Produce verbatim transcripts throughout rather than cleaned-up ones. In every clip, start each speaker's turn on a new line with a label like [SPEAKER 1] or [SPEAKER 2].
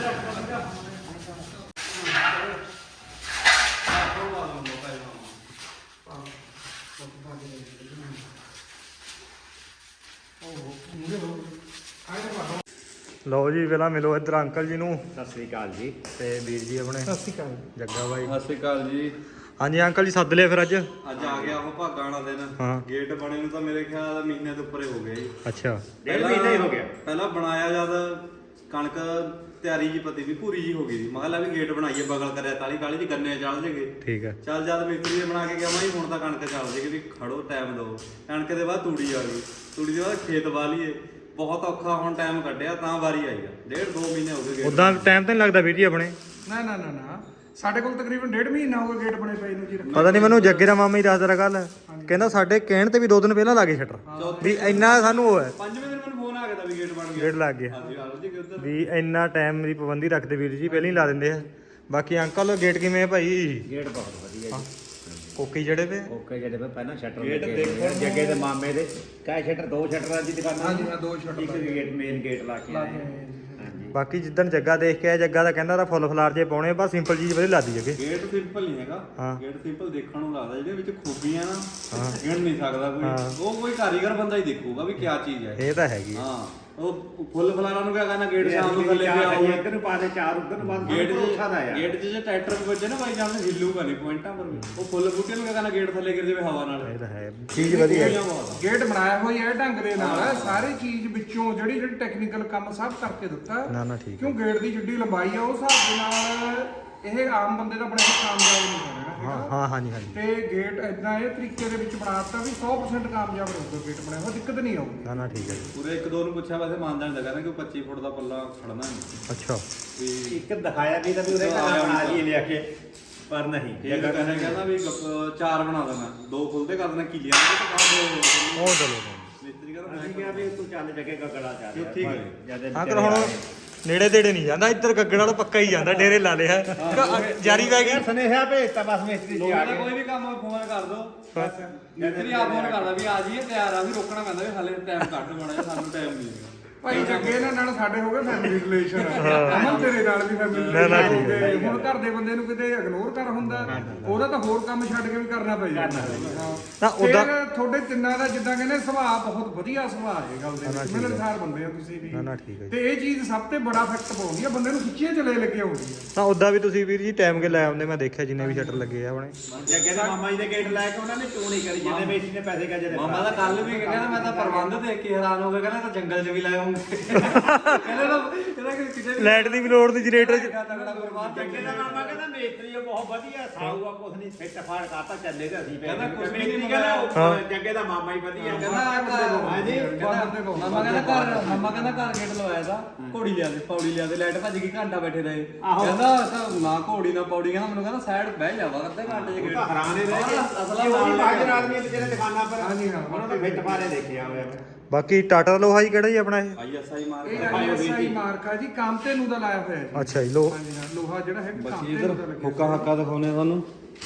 [SPEAKER 1] ਲਓ ਜੀ ਪਹਿਲਾਂ ਮਿਲੋ ਇੱਧਰ ਅੰਕਲ ਜੀ ਨੂੰ।
[SPEAKER 2] ਸਤਿ ਸ੍ਰੀ ਅਕਾਲ ਜੀ।
[SPEAKER 1] ਤੇ ਵੀਰ ਜੀ ਆਪਣੇ
[SPEAKER 3] ਸਤਿ ਸ਼੍ਰੀ ਅਕਾਲ
[SPEAKER 1] ਜੱਗਾ ਬਾਈ।
[SPEAKER 4] ਸਤਿ ਸ਼੍ਰੀ ਅਕਾਲ ਜੀ।
[SPEAKER 1] ਹਾਂਜੀ ਅੰਕਲ ਜੀ ਸੱਦ ਲਿਆ ਫਿਰ ਅੱਜ
[SPEAKER 4] ਅੱਜ ਆ ਗਿਆ ਉਹ ਭਾਗਾਂ ਵਾਲਾ ਦਿਨ।
[SPEAKER 1] ਹਾਂ
[SPEAKER 4] ਗੇਟ ਬਣੇ ਨੂੰ ਤਾਂ ਮੇਰੇ ਖਿਆਲ ਮਹੀਨੇ ਤੋਂ ਉੱਪਰੇ ਹੋ ਗਿਆ ਜੀ।
[SPEAKER 1] ਅੱਛਾ
[SPEAKER 2] ਡੇਢ ਮਹੀਨਾ ਹੀ ਹੋ ਗਿਆ।
[SPEAKER 4] ਪਹਿਲਾਂ ਬਣਾਇਆ ਜਦ ਕਣਕ ਤਿਆਰੀ ਜੀ ਪਤੀ ਵੀ ਪੂਰੀ ਜੀ ਹੋ ਗਈ ਸੀ। ਮੈਂ ਕਿਹਾ ਵੀ ਗੇਟ ਬਣਾਈਏ ਬਗਲ ਕਰਿਆ ਕਾਲੀ ਕਾਲੀ ਜੀ ਗੰਨੇ ਚੜ ਜੇਗੇ।
[SPEAKER 1] ਠੀਕ ਹੈ।
[SPEAKER 4] ਚੱਲ ਜਦ ਮਿਸਤਰੀ ਨੇ ਬਣਾ ਕੇ ਗਿਆ ਮੈਂ ਹੁਣ ਤਾਂ ਕਣਕ ਚੱਲ ਜੇਗੀ ਵੀ ਖੜੋ ਟਾਈਮ ਦਿਓ। ਕਣਕ ਦੇ ਬਾਅਦ ਤੂੜੀ ਆ ਗਈ, ਤੂੜੀ ਦੇ ਬਾਅਦ ਖੇਤ ਵਾਲੀਏ। ਬਹੁਤ ਔਖਾ ਹੁਣ ਟਾਈਮ ਕੱਢਿਆ ਤਾਂ ਵਾਰੀ ਆਈ ਆ। ਡੇਢ ਦੋ ਮਹੀਨੇ ਹੋ ਗਏ।
[SPEAKER 1] ਉਦਾਂ ਟਾਈਮ ਤਾਂ ਨਹੀਂ ਲੱਗਦਾ ਵੀਰ ਜੀ ਆਪਣੇ?
[SPEAKER 3] ਨਾ ਨਾ ਨਾ ਨਾ ਸਾਡੇ ਕੋਲ ਤਕਰੀਬਨ ਡੇਢ ਮਹੀਨਾ ਹੋ ਗਿਆ ਗੇਟ ਬਣੇ ਪਏ ਨੂੰ ਜੀ।
[SPEAKER 1] ਪਤਾ ਨਹੀਂ ਮੈਨੂੰ ਜੱਗੇ ਦਾ ਮਾਮਾ ਹੀ ਦੱਸਦਾ ਰਿਹਾ ਕੱਲ, ਕਹਿੰਦਾ ਸਾਡੇ ਕਹਿਣ ਤੇ ਵੀ ਦੋ ਦਿਨ ਪਹਿਲਾਂ ਲਾਗੇ ਸ਼ਟਰ ਵੀ ਇੰਨਾ ਸਾਨੂੰ ਉਹ ਹੈ।
[SPEAKER 4] ਪੰਜਵੇਂ ਦਿਨ ਮੈਨੂੰ ਫੋਨ ਆ ਗਿਆ ਤਾਂ ਵੀ ਗੇਟ ਬਣ ਗਿਆ।
[SPEAKER 1] ਗੇਟ ਲੱਗ ਗਿਆ
[SPEAKER 4] ਹਾਂਜੀ ਆਲੋ ਜੀ ਉਧਰ
[SPEAKER 1] ਵੀ ਇੰਨਾ ਟਾਈਮ ਦੀ ਪਾਬੰਦੀ ਰੱਖਦੇ ਵੀਰ ਜੀ, ਪਹਿਲਾਂ ਹੀ ਲਾ ਦਿੰਦੇ ਆ। ਬਾਕੀ ਅੰਕਲ ਗੇਟ ਕਿਵੇਂ ਹੈ ਭਾਈ?
[SPEAKER 2] ਗੇਟ ਬਹੁਤ ਵਧੀਆ ਜੀ।
[SPEAKER 1] ਕੋਕੀ ਜਿਹੜੇ ਪਏ
[SPEAKER 2] ਓਕੇ ਜਿਹੜੇ ਪਏ ਪਹਿਲਾਂ ਸ਼ਟਰ ਲੱਗੇ ਜੱਗੇ ਦੇ ਮਾਮੇ ਦੇ ਕਾ ਸ਼ਟਰ ਦੋ ਸ਼ਟਰਾਂ ਦੀ ਦੁਕਾਨ।
[SPEAKER 3] ਹਾਂਜੀ ਹਾਂ ਦੋ ਸ਼ਟਰ
[SPEAKER 2] ਇੱਕ ਗੇਟ ਮੇਨ ਗੇਟ ਲਾ ਕੇ ਆਏ। ਹਾਂਜੀ
[SPEAKER 1] ਬਾਕੀ ਜਿੱਦਣ ਜੱਗਾ ਦੇਖ ਕੇ ਆਇਆ, ਜੱਗਾ ਦਾ ਕਹਿੰਦਾ ਤਾਂ ਫੁੱਲ ਫਲਾਰ ਜੇ ਪਾਉਣੇ, ਬਸ ਸਿੰਪਲ ਚੀਜ਼ ਵਧੀਆ ਲਾਦੀ ਜੱਗੇ।
[SPEAKER 4] ਗੇਟ ਸਿੰਪਲ ਨਹੀਂ ਹੈਗਾ।
[SPEAKER 1] ਹਾਂ।
[SPEAKER 4] ਗੇਟ ਸਿੰਪਲ ਦੇਖਣ ਨੂੰ ਲੱਗਦਾ, ਜਿਹਦੇ ਵਿੱਚ ਖੂਬੀਆਂ ਨਾ
[SPEAKER 1] ਹਾਂ।
[SPEAKER 4] ਗਿਣ ਨਹੀਂ ਸਕਦਾ
[SPEAKER 1] ਹਾਂ।
[SPEAKER 4] ਕੋਈ। ਉਹ ਕੋਈ ਕਾਰੀਗਰ ਬੰਦਾ ਹੀ ਦੇਖੂਗਾ ਵੀ ਕਿਆ ਚੀਜ਼ ਹੈ।
[SPEAKER 1] ਇਹ ਤਾਂ ਹੈਗੀ
[SPEAKER 4] ਹਾਂ ਉਹ ਫੁੱਲ ਫਲਾਰਾਂ ਨੂੰ ਕਿਆ ਕਰਨਾ, ਗੇਟ ਸ਼ਾਮ ਨੂੰ ਥੱਲੇ ਪਿਆ ਹੋਊਗਾ।
[SPEAKER 2] ਇੱਧਰ ਨੂੰ ਪਾ ਦੇ ਚਾਰ ਉੱਧਰ ਨੂੰ ਬਾਅਦ
[SPEAKER 4] ਗੇਟ
[SPEAKER 2] ਭਰੋਸਾ ਦਾ ਯਾਰ।
[SPEAKER 4] ਗੇਟ 'ਚ ਜੇ ਟਰੈਕਟਰ ਵੀ ਵੱਜੇ ਨਾ ਬਾਈ ਜਾਨ ਹਿੱਲੂਗਾ ਨਹੀਂ ਪੁਆਇੰਟਾਂ ਪਰ ਵੀ। ਉਹ ਫੁੱਲ ਬੂਟੇ ਨੂੰ ਕਿਆ ਕਰਨਾ, ਗੇਟ ਥੱਲੇ ਗਿਰ ਜਾਵੇ ਹਵਾ ਨਾਲ।
[SPEAKER 1] ਇਹ ਤਾਂ ਹੈ ਚੀਜ਼ ਵਧੀਆ ਹੈ।
[SPEAKER 3] ਗੇਟ ਬਣਾਇਆ ਹੋਇਆ ਹੈ ਢੰਗ ਦੇ ਨਾਲ, ਸਾਰੀ ਚੀਜ਼ ਵਿੱਚੋਂ ਜਿਹੜੀ ਜਿਹੜੀ ਟੈਕਨੀਕਲ ਕੰਮ ਸਭ ਕਰਕੇ ਦਿੱਤਾ।
[SPEAKER 1] ਨਾ ਨਾ ਠੀਕ
[SPEAKER 3] ਕਿਉਂ ਗੇਟ ਦੀ ਜਿੱਡੀ ਲੰਬਾਈ ਆ ਉਸ ਹਿਸਾਬ ਦੇ ਨਾਲ ਇਹ ਆਮ ਬੰਦੇ ਦਾ ਬਣਿਆ ਕਾਮਯਾਬ ਨਹੀਂ ਹੋਣਾ
[SPEAKER 1] ਹਾਂ
[SPEAKER 3] ਹੈਗਾ।
[SPEAKER 1] ਹਾਂ ਹਾਂਜੀ ਹਾਂਜੀ
[SPEAKER 3] ਤੇ ਗੇਟ ਇਦਾਂ ਇਹ ਤਰੀਕੇ ਦੇ ਵਿੱਚ ਬਣਾਤਾ ਵੀ ਸੌ ਪਰਸੈਂਟ ਕਾਮਯਾਬ ਰਹੂਗਾ ਗੇਟ ਬਣਾਇਆ ਹੋਇਆ, ਦਿੱਕਤ ਨਹੀਂ ਆਊਗੀ।
[SPEAKER 1] ਨਾ ਨਾ ਠੀਕ ਹੈ ਜੀ।
[SPEAKER 4] ਪੂਰੇ ਇੱਕ ਦੋ ਨੂੰ ਪੁੱਛਿਆ ਵੈਸੇ ਮੰਨਦਾ ਨਹੀਂ ਲੱਗਾ ਕਿ ਪੱਚੀ ਫੁੱਟ ਦਾ ਪੱਲਾ ਖੜਨਾ ਨਹੀਂ
[SPEAKER 1] ਅੱਛਾ
[SPEAKER 4] ਵੀ।
[SPEAKER 2] ਇੱਕ ਦਿਖਾਇਆ ਵੀ ਤਾਂ ਵੀ ਉਹਦੇ ਘਰ ਬਣਾ ਲਈ ਲਿਆ ਕੇ, ਪਰ ਨਹੀਂ
[SPEAKER 4] ਇਹ
[SPEAKER 2] ਜਗ੍ਹਾ
[SPEAKER 4] ਕਹਿੰਦਾ ਕਹਿੰਦਾ ਵੀ ਗੱਪ- ਚਾਰ ਬਣਾ ਦੇਣਾ, ਦੋ ਖੁੱਲਦੇ ਕਰ ਦੇਣਾ ਕੀਲੀਆਂ ਦੇ ਤੇ ਬਾਅਦ ਦੋ।
[SPEAKER 1] ਉਹ ਚਲੋ
[SPEAKER 4] ਮਿਸਤਰੀ ਕਹਿੰਦਾ
[SPEAKER 2] ਅਸੀਂ ਕਿਹਾ ਵੀ ਤੂੰ ਚੱਲ ਜੱਗੇ ਗਗੜਾ ਚੱਲ ਯਾਰ।
[SPEAKER 4] ਠੀਕ ਹੈ।
[SPEAKER 2] ਜਦ
[SPEAKER 1] ਅੰਕਲ ਹੁਣ ਨੇੜੇ ਤੇੜੇ ਨਹੀਂ ਜਾਂਦਾ, ਇੱਧਰ ਗੱਗੜ ਵਾਲਾ ਪੱਕਾ ਹੀ ਜਾਂਦਾ, ਡੇਰੇ ਲਾ ਲਿਆ ਜਾਰੀ ਪੈ ਗਈ।
[SPEAKER 2] ਸੁਨੇਹਾ ਭੇਜਤਾ ਬਸ ਮਿਸਤਰੀ ਜੀ ਆ
[SPEAKER 4] ਲੋਕਾਂ ਦਾ
[SPEAKER 2] ਗਏ।
[SPEAKER 4] ਕੋਈ ਵੀ ਕੰਮ ਫੋਨ ਕਰ ਦੋ, ਮਿਸਤਰੀ ਆ ਫੋਨ ਕਰਦਾ ਵੀ ਆ ਜੀ ਤਿਆਰ ਆ, ਵੀ ਰੋਕਣਾ ਪੈਂਦਾ ਵੀ ਹਾਲੇ ਟਾਈਮ ਘੱਟ ਹੋਣਾ ਜਾਂ ਸਾਨੂੰ ਟਾਈਮ ਨਹੀਂ ਹੈਗਾ।
[SPEAKER 3] ਭਾਈ ਜੱਗੇ ਨਾਲ ਨਾਲ ਸਾਡੇ ਹੋ ਗਏ ਫੈਮਿਲੀ ਰਿਲੇਸ਼ਨ, ਅਮਨ ਤੇਰੇ ਨਾਲ ਵੀ ਫੈਮਿਲੀ
[SPEAKER 1] ਨਾ, ਨਾ,
[SPEAKER 3] ਰਿਲੇਸ਼ਨ ਹੋ
[SPEAKER 1] ਠੀਕ ਹੈ,
[SPEAKER 3] ਗਏ। ਹੁਣ ਘਰ ਦੇ ਬੰਦੇ ਨੂੰ ਕਿਤੇ ਇਗਨੋਰ ਕਰ ਹੁੰਦਾ, ਉਹਦਾ ਤਾਂ ਹੋਰ ਕੰਮ ਛੱਡ ਕੇ ਵੀ ਕਰਨਾ ਪਈ ਜਾਂਦਾ।
[SPEAKER 1] ਨਾ,
[SPEAKER 3] ਹਾਂ
[SPEAKER 1] ਉਹਦਾ-
[SPEAKER 3] ਉਹਦਾ ਤੁਹਾਡੇ ਤਿੰਨਾਂ ਦਾ ਜਿੱਦਾਂ ਕਹਿੰਦੇ ਸੁਭਾਅ ਬਹੁਤ ਵਧੀਆ ਸੁਭਾਅ ਹੈ ਗੱਲ ਦੇ ਵਿੱਚ, ਮਿਲਣਸਾਰ ਬੰਦੇ ਆ ਤੁਸੀਂ ਵੀ।
[SPEAKER 1] ਨਾ ਨਾ ਠੀਕ ਹੈ ਜੀ।
[SPEAKER 3] ਤੇ ਇਹ ਚੀਜ਼ ਸਭ ਤੋਂ ਬੜਾ ਇਫੈਕਟ ਪਾਉਂਦੀ ਆ, ਬੰਦੇ ਨੂੰ ਖਿੱਚੀਆਂ ਚਲੇ ਲੱਗੇ ਆਉਂਦੀ ਆ।
[SPEAKER 1] ਤਾਂ ਉਦਾਂ ਵੀ ਤੁਸੀਂ ਵੀਰ ਜੀ ਟਾਈਮ ਕੇ ਲੈ ਆਉਂਦੇ, ਮੈਂ ਦੇਖਿਆ ਜਿੰਨੇ ਵੀ ਸ਼ਟਰ ਲੱਗੇ ਆ ਆਪਣੇ।
[SPEAKER 2] ਜੱਗੇ ਦੇ ਮਾਮਾ ਜੀ ਦੇ ਗੇਟ ਲੈ ਕੇ ਉਹਨਾਂ ਨੇ ਚੋਣ ਹੀ ਕਰੀ ਜਿੰਨੇ ਮੇਸੀ ਨੇ ਪੈਸੇ ਕਾ ਜਦੇ
[SPEAKER 4] ਮਾਮਾ ਦਾ ਕੱਲ ਵੀ ਕਹਿੰਦਾ ਮੈਂ ਤਾਂ ਪ੍ਰਬੰਧ ਦੇਖ ਕੇ ਹੈਰਾਨ ਹੋ ਗਿਆ, ਕਹਿੰਦਾ ਤਾਂ ਜੰਗਲ 'ਚ ਵੀ ਲਾਏ ਹੋਣਗੇ। ਕਹਿੰਦਾ ਤਾਂ ਕਹਿੰਦਾ ਕਿ ਕਿਤੇ ਵੀ
[SPEAKER 1] ਲਾਈਟ ਦੀ ਵੀ ਲੋੜ ਨਹੀਂ, ਜਨਰੇਟਰ ਚ
[SPEAKER 4] ਤਗੜਾ ਪ੍ਰਬੰਧ।
[SPEAKER 2] ਜੱਗੇ ਦਾ ਮਾਮਾ ਕਹਿੰਦਾ ਮੇਸਤਰੀ ਬਹੁਤ ਵਧੀਆ ਸਾਊ ਆ, ਕੁਛ ਨਹੀਂ ਫਿੱਟ ਫਾੜ ਕਰਤਾ ਚੱਲੇ ਤੇ ਅਸੀਂ
[SPEAKER 4] ਕਹਿੰਦਾ ਕੁਛ ਵੀ
[SPEAKER 2] ਮੇਸਤਰੀ
[SPEAKER 4] ਨਹੀਂ
[SPEAKER 2] ਕਹਿੰਦਾ ਜੱਗੇ ਦਾ ਮਾਮਾ ਹੀ ਵਧੀਆ
[SPEAKER 4] ਕਹਿੰਦਾ ਘਰ
[SPEAKER 2] ਹਾਂਜੀ
[SPEAKER 4] ਮਾਮਾ ਕਹਿੰਦਾ ਘਰ ਮਾਮਾ ਕਹਿੰਦਾ ਘਰ ਗੇਟ ਲਵਾਇਆ ਦਾ, ਘੋੜੀ ਲਿਆ ਦੇ ਪੌੜੀ ਲਿਆ ਦੇ, ਲਾਈਟ ਭੱਜ ਗਈ, ਘੰਟਾ ਬੈਠੇ ਰਹੇ। ਕਹਿੰਦਾ ਤਾਂ ਨਾ ਘੋੜੀ ਨਾ ਪੌੜੀ, ਕਹਿੰਦਾ ਮੈਨੂੰ ਕਹਿੰਦਾ ਸਾਈਡ ਬਹਿ ਜਾਵਾ ਅੱਧੇ ਘੰਟੇ ਚ ਗੇਟ
[SPEAKER 2] ਹੈਰਾਨ ਹੀ ਰਹਿ ਗਏ।
[SPEAKER 4] ਅਸਲਾ
[SPEAKER 2] ਉਹ ਵੀ
[SPEAKER 4] ਨਾਲ
[SPEAKER 2] ਬਾਜਰ ਆਦਮੀ ਜਿਹੜੇ ਦੁਕਾਨਾਂ ਪਰ
[SPEAKER 3] ਹਾਂਜੀ ਹਾਂ,
[SPEAKER 2] ਉਹਨਾਂ ਦਾ ਫਿੱਟ ਫਾੜੇ ਦੇਖਿਆ ਹੋਇਆ ਮੈਂ।
[SPEAKER 1] ਬਾਕੀ ਟਾਟਾ ਦਾ ਲੋਹਾ ਜੀ ਕਿਹੜਾ ਜੀ ਆਪਣਾ ਇਹ?
[SPEAKER 4] ਆਈ ਐਸ ਆਈ ਮਾਰ
[SPEAKER 3] ਇਹ ਆਈ ਐਸ ਆਈ ਮਾਰਕ ਆ ਜੀ, ਕਾਮਤੇ ਨੂੰ ਦਾ ਲਾਇਆ ਹੋਇਆ ਜੀ।
[SPEAKER 1] ਅੱਛਾ ਜੀ ਲੋ
[SPEAKER 3] ਹਾਂਜੀ ਹਾਂ, ਲੋਹਾ ਜਿਹੜਾ ਹੈ
[SPEAKER 4] ਬਸ
[SPEAKER 3] ਕਾਮਤੇ
[SPEAKER 4] ਇਧਰ
[SPEAKER 3] ਨੂੰ ਦਾ ਲੱਗਿਆ।
[SPEAKER 4] ਹੁੱਕਾ ਹੱਕਾ ਦਿਖਾਉਣੇ ਤੁਹਾਨੂੰ।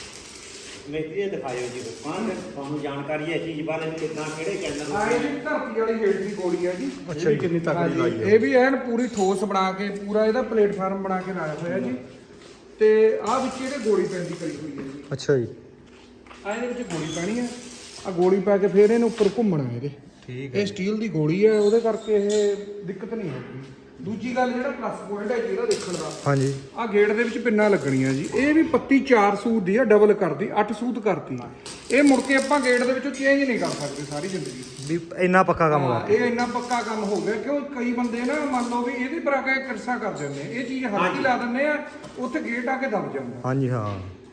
[SPEAKER 2] ਮੇਸਤਰੀ ਇਹ ਦਿਖਾਇਓ ਜੀ ਦੁਕਾਨ ਤੇ ਤੁਹਾਨੂੰ ਜਾਣਕਾਰੀ ਹੈ ਚੀਜ਼ ਬਾਰੇ ਵੀ ਕਿੰਨਾ ਕਿਹੜੇ ਚੈਨਲ
[SPEAKER 3] ਆ ਇਹ ਜੀ ਧਰਤੀ ਵਾਲੀ ਹੇਠ ਦੀ ਗੋਲੀ ਆ ਜੀ।
[SPEAKER 1] ਅੱਛਾ ਜੀ
[SPEAKER 4] ਕਿੰਨੀ
[SPEAKER 3] ਹਾਂਜੀ, ਇਹ ਵੀ ਐਨ ਪੂਰੀ ਠੋਸ ਬਣਾ ਕੇ ਪੂਰਾ ਇਹਦਾ ਪਲੇਟਫਾਰਮ ਬਣਾ ਕੇ ਲਾਇਆ ਹੋਇਆ ਜੀ। ਤੇ ਆਹ ਵਿੱਚ ਇਹਦੇ ਗੋਲੀ ਪੈਂਦੀ ਕਰੀ ਹੋਈ ਹੈ ਜੀ।
[SPEAKER 1] ਅੱਛਾ ਜੀ
[SPEAKER 3] ਆ ਇਹਦੇ ਵਿੱਚ ਗੋਲੀ ਪੈਣੀ ਹੈ, ਆ ਗੋਲੀ ਪਾ ਕੇ ਫਿਰ ਇਹਨੂੰ ਉੱਪਰ ਘੁੰਮਣਾ ਇਹਦੇ।
[SPEAKER 1] ਠੀਕ
[SPEAKER 3] ਇਹ ਸਟੀਲ ਦੀ ਗੋਲੀ ਹੈ, ਉਹਦੇ ਕਰਕੇ ਇਹ ਦਿੱਕਤ ਨਹੀਂ ਆਉਂਦੀ। ਦੂਜੀ ਗੱਲ ਜਿਹੜਾ ਪਲੱਸ ਪੁਆਇੰਟ ਹੈ ਜੀ ਇਹਦਾ ਦੇਖਣ ਦਾ,
[SPEAKER 1] ਹਾਂਜੀ
[SPEAKER 3] ਆ ਗੇਟ ਦੇ ਵਿੱਚ ਪਿੰਨਾਂ ਲੱਗਣੀਆਂ ਜੀ। ਇਹ ਵੀ ਪੱਤੀ ਚਾਰ ਸੂਤ ਦੀ ਆ, ਡਬਲ ਕਰਦੀ ਅੱਠ ਸੂਤ ਕਰਤੀ। ਇਹ ਮੁੜ ਕੇ ਆਪਾਂ ਗੇਟ ਦੇ ਵਿੱਚੋਂ ਚੇਂਜ ਨਹੀਂ ਕਰ ਸਕਦੇ ਸਾਰੀ ਜ਼ਿੰਦਗੀ।
[SPEAKER 1] ਵੀ ਇੰਨਾ ਪੱਕਾ ਕੰਮ
[SPEAKER 3] ਹਾਂ,
[SPEAKER 1] ਕਰ
[SPEAKER 3] ਇਹ ਇੰਨਾ ਪੱਕਾ ਕੰਮ ਹੋ ਗਿਆ। ਕਿਉਂ ਕਈ ਬੰਦੇ ਨਾ ਮੰਨ ਲਓ ਵੀ ਇਹਦੇ ਪਰ ਆ ਕੇ ਕਿਰਸਾ ਕਰ ਦਿੰਦੇ ਆ, ਇਹ ਚੀਜ਼ ਹਲਕੀ ਲਾ ਦਿੰਦੇ ਆ, ਉੱਥੇ ਗੇਟ ਆ ਕੇ ਦਬ ਜਾਂਦਾ।
[SPEAKER 1] ਹਾਂਜੀ ਹਾਂ